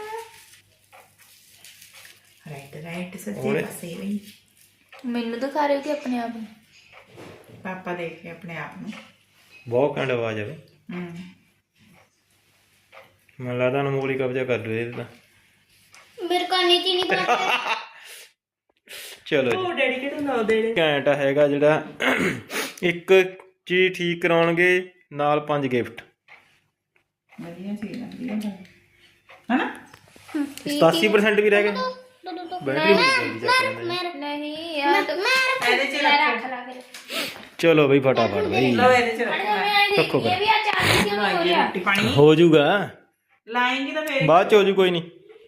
[SPEAKER 1] ਰਾਈਟ ਰਾਈਟ ਸੱਜੇ
[SPEAKER 3] ਉਹਨੇ-
[SPEAKER 1] ਪਾਸੇ ਵੀ
[SPEAKER 2] मेनू दिखा रहे हो कि अपने आप ਨੂੰ?
[SPEAKER 1] ਪਾਪਾ ਦੇਖੇ ਆਪਣੇ ਆਪ ਨੂੰ
[SPEAKER 3] ਬਹੁਤ ਘੰਟ ਆਵਾਜ਼ ਆਵੇ
[SPEAKER 1] ਹੂੰ
[SPEAKER 3] ਮੈਨੂੰ ਲੱਗਦਾ ਅਨਮੋਲ ਹੀ ਕਬਜ਼ਾ ਕਰ ਲੂ ਇਹਦੇ ਤਾਂ
[SPEAKER 4] ਪਾਣੀ ਚੀਨੀ ਪਾ ਕੇ
[SPEAKER 3] ਚਲੋ ਜੀ
[SPEAKER 1] ਉਹ ਡੈਡੀ ਕਿਹੜਾ ਨਾ ਦੇਣੇ
[SPEAKER 3] ਘੈਂਟ ਹੈਗਾ ਜਿਹੜਾ ਇੱਕ ਚੀਜ਼ ਠੀਕ ਕਰਾਉਣਗੇ ਨਾਲ 5 ਗਿਫਟ
[SPEAKER 1] ਵਧੀਆ ਚੀਜ਼ ਆਂਦੀ ਹੈ ਹਨਾ
[SPEAKER 3] 87% ਵੀ ਰਹਿ ਗਏ
[SPEAKER 4] ਦੋ
[SPEAKER 3] ਬੈਟਰੀ ਬੜੀ ਜਲਦੀ ਚੱਕ ਲੈਂਦਾ ਜੀ।
[SPEAKER 2] ਨਹੀਂ ਯਾਰ
[SPEAKER 1] ਇਹਦੇ ਚ
[SPEAKER 2] ਰੱਖ ਲਾ ਫਿਰ
[SPEAKER 3] ਚਲੋ ਬਈ ਫਟਾਫਟ ਬਈ
[SPEAKER 1] ਲਓ ਇਹਦੇ ਚ ਰੱਖਣਾ
[SPEAKER 3] ਰੱਖੋ
[SPEAKER 2] ਇਹ ਵੀ ਆ ਚਾਰ ਕਿਉਂ ਹੋ ਰਿਹਾ
[SPEAKER 1] ਰੋਟੀ ਪਾਣੀ
[SPEAKER 3] ਹੋ ਜਾਊਗਾ
[SPEAKER 1] ਲਾਏਂਗੀ ਤਾਂ ਫੇਰ
[SPEAKER 3] ਬਾਅਦ ਚ ਹੋ ਜੂ ਕੋਈ ਨਹੀਂ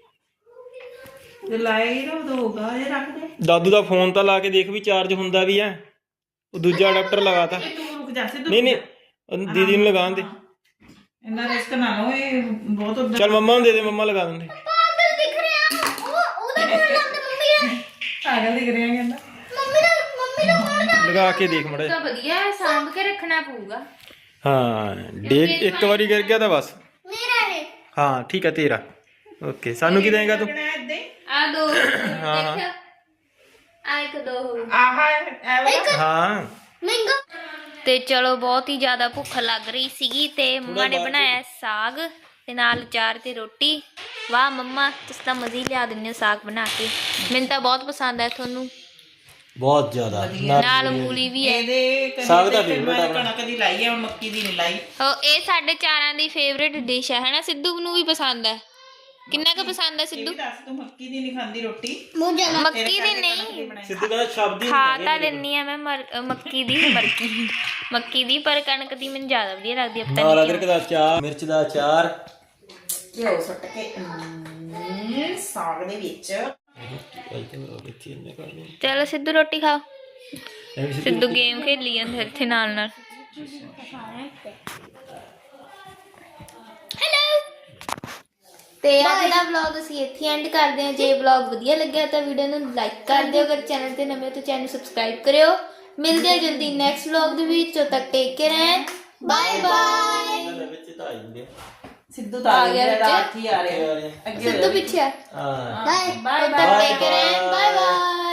[SPEAKER 1] ਜੇ ਲਾਏਗੀ ਤਾਂ ਉਦੋਂ ਹੋਗਾ ਇਹ ਰੱਖ ਦੇ
[SPEAKER 3] ਦਾਦੂ ਦਾ ਫੋਨ ਤਾਂ ਲਾ ਕੇ ਦੇਖ ਵੀ ਚਾਰਜ ਹੁੰਦਾ ਵੀ ਹੈ ਉਹ ਦੂਜਾ ਅਡਾਪਟਰ ਲਗਾਤਾ
[SPEAKER 1] ਤੂੰ ਰੁਕ ਜਾ ਸਿੱਧੂ
[SPEAKER 3] ਨਹੀਂ ਨਹੀਂ ਉਹ ਦੀਦੀ ਨੂੰ ਲਗਾਉਣ ਦੇ
[SPEAKER 1] ਇੰਨਾ ਰਿਸਕ ਨਾ ਲਓ ਇਹ ਬਹੁਤ ਉੱਧਰ
[SPEAKER 3] ਚੱਲ ਮੰਮਾ ਨੂੰ ਦੇ ਦੇ ਮੰਮਾ ਲਗਾ ਦਿੰਦੇ
[SPEAKER 4] ਪਾਗਲ ਦਿਖ ਰਿਹਾ ਉਹਦਾ ਫੋਨ ਲਾਉਂਦੇ ਮੰਮੀ ਦਾ
[SPEAKER 1] ਪਾਗਲ ਦਿਖ ਰਿਹਾ ਕਹਿੰਦਾ
[SPEAKER 4] ਮੰਮੀ ਦਾ ਫੋਨ ਦਾ
[SPEAKER 3] ਲਗਾ ਕੇ ਦੇਖ ਮੜਾ
[SPEAKER 2] ਤਾਂ ਵਧੀਆ ਹੈ, ਸਾਂਭ ਕੇ ਰੱਖਣਾ ਪਊਗਾ
[SPEAKER 3] ਹਾਂ ਡੇਕ ਇੱਕ ਵਾਰੀ ਗਿਰ ਗਿਆ ਤਾਂ ਬਸ
[SPEAKER 4] ਮੇਰਾ ਹੈ
[SPEAKER 3] ਹਾਂ ਠੀਕ ਹੈ ਤੇਰਾ ਓਕੇ ਸਾਨੂੰ ਕੀ ਦੇਂਗਾ ਤੂੰ
[SPEAKER 1] ਲੱਗਣਾ ਏਦਾਂ ਹੀ
[SPEAKER 2] ਆ ਦੋ
[SPEAKER 3] ਹਾਂ ਹਾਂ
[SPEAKER 2] ਦੇਖਿਆ ਆ ਇੱਕ ਦੋ ਹੋ ਗਏ।
[SPEAKER 1] ਆਹ ਐ ਵਾਲਾ
[SPEAKER 3] ਹਾਂ
[SPEAKER 4] ਮਹਿੰਗਾ
[SPEAKER 2] ਤੇ ਚਲੋ ਬਹੁਤ ਹੀ ਜ਼ਿਆਦਾ ਭੁੱਖ ਲੱਗ ਰਹੀ ਸੀਗੀ ਤੇ ਮੰਮਾ ਨੇ ਬਣਾਇਆ ਸਾਗ ਤੇ ਨਾਲ ਅਚਾਰ ਤੇ ਰੋਟੀ। ਵਾਹ ਮੰਮਾ ਤੁਸੀਂ ਤਾਂ ਮਜ਼ੇ ਹੀ ਲਿਆ ਦਿੰਦੇ ਹੋ ਸਾਗ ਬਣਾ ਕੇ, ਮੈਨੂੰ ਤਾਂ ਬਹੁਤ ਪਸੰਦ ਹੈ। ਤੁਹਾਨੂੰ
[SPEAKER 3] ਬਹੁਤ ਜ਼ਿਆਦਾ
[SPEAKER 2] ਨਾਲ ਮੂਲੀ ਵੀ ਹੈ।
[SPEAKER 1] ਇਹਦੇ
[SPEAKER 3] ਸਾਗ ਦਾ favorite ਆ
[SPEAKER 1] ਕਣਕ ਦੀ ਲਾਈ ਹੈ ਹੁਣ ਮੱਕੀ ਦੀ ਨਹੀਂ ਲਾਈ
[SPEAKER 2] ਇਹ ਸਾਡੇ ਚਾਰਾਂ ਦੀ ਫੇਵਰੇਟ ਡਿਸ਼ ਹੈ ਨਾ। ਸਿੱਧੂ ਨੂੰ ਵੀ ਪਸੰਦ ਹੈ। ਕਿੰਨਾ ਕੁ ਪਸੰਦ ਹੈ
[SPEAKER 1] ਇਹ
[SPEAKER 2] ਸਿੱਧੂ?
[SPEAKER 1] ਵੀ ਦੱਸ ਤੂੰ ਮੱਕੀ ਦੀ ਨਹੀਂ ਖਾਂਦੀ ਰੋਟੀ
[SPEAKER 4] ਬਹੁਤ ਜ਼ਿਆਦਾ
[SPEAKER 2] ਮੱਕੀ ਦੀ ਨਹੀਂ
[SPEAKER 3] ਸਿੱਧੂ ਕਹਿੰਦਾ ਸ਼ਬਦ ਹੀ
[SPEAKER 2] ਖਾ ਤਾਂ ਲੈਂਦੀ ਆ ਮੈਂ ਮੱਕੀ ਦੀ ਮੱਕੀ ਦੀ, ਪਰ ਕਣਕ ਦੀ ਮੈਨੂੰ ਜ਼ਿਆਦਾ ਵਧੀਆ ਲੱਗਦੀ ਹੈ। ਪਤਾ
[SPEAKER 3] ਨਾਲ
[SPEAKER 2] ਨਹੀਂ
[SPEAKER 3] ਅਦਰਕ ਦਾ ਅਚਾਰ ਮਿਰਚ ਦਾ ਅਚਾਰ
[SPEAKER 1] ਘਿਓ ਸੁੱਟ ਕੇ ਸਾਗ ਦੇ ਵਿੱਚ
[SPEAKER 2] ਚਲੋ ਸਿੱਧੂ ਰੋਟੀ ਖਾਓ। ਸਿੱਧੂ ਗੇਮ ਖੇਲੀ ਜਾਂਦਾ ਇੱਥੇ ਨਾਲ ਨਾਲ। ਤੇ ਅੱਜ ਦਾ ਵਲੌਗ ਅਸੀਂ ਇੱਥੇ ਐਂਡ ਕਰਦੇ ਹਾਂ। ਜੇ ਵਲੌਗ ਵਧੀਆ ਲੱਗਿਆ ਤਾਂ ਵੀਡੀਓ ਨੂੰ ਲਾਈਕ ਕਰ ਦਿਓ। ਅਗਰ ਚੈਨਲ ਤੇ ਨਵੇਂ ਹੋ ਤਾਂ ਚੈਨਲ ਸਬਸਕ੍ਰਾਈਬ ਕਰਿਓ। ਮਿਲਦੇ ਹਾਂ ਜਲਦੀ ਨੈਕਸਟ ਵਲੌਗ ਦੇ ਵਿੱਚ। ਉਦੋਂ ਤੱਕ take care and bye bye.
[SPEAKER 1] Sidhu ਤਾਂ ਆ ਗਿਆ ਰਾਤ ਹੀ ਆ ਰਿਹਾ ਅੱਗੇ
[SPEAKER 2] ਸਿੱਧੂ ਪਿੱਛੇ ਆ।
[SPEAKER 3] ਹਾਂ
[SPEAKER 2] bye bye. Take care and bye bye.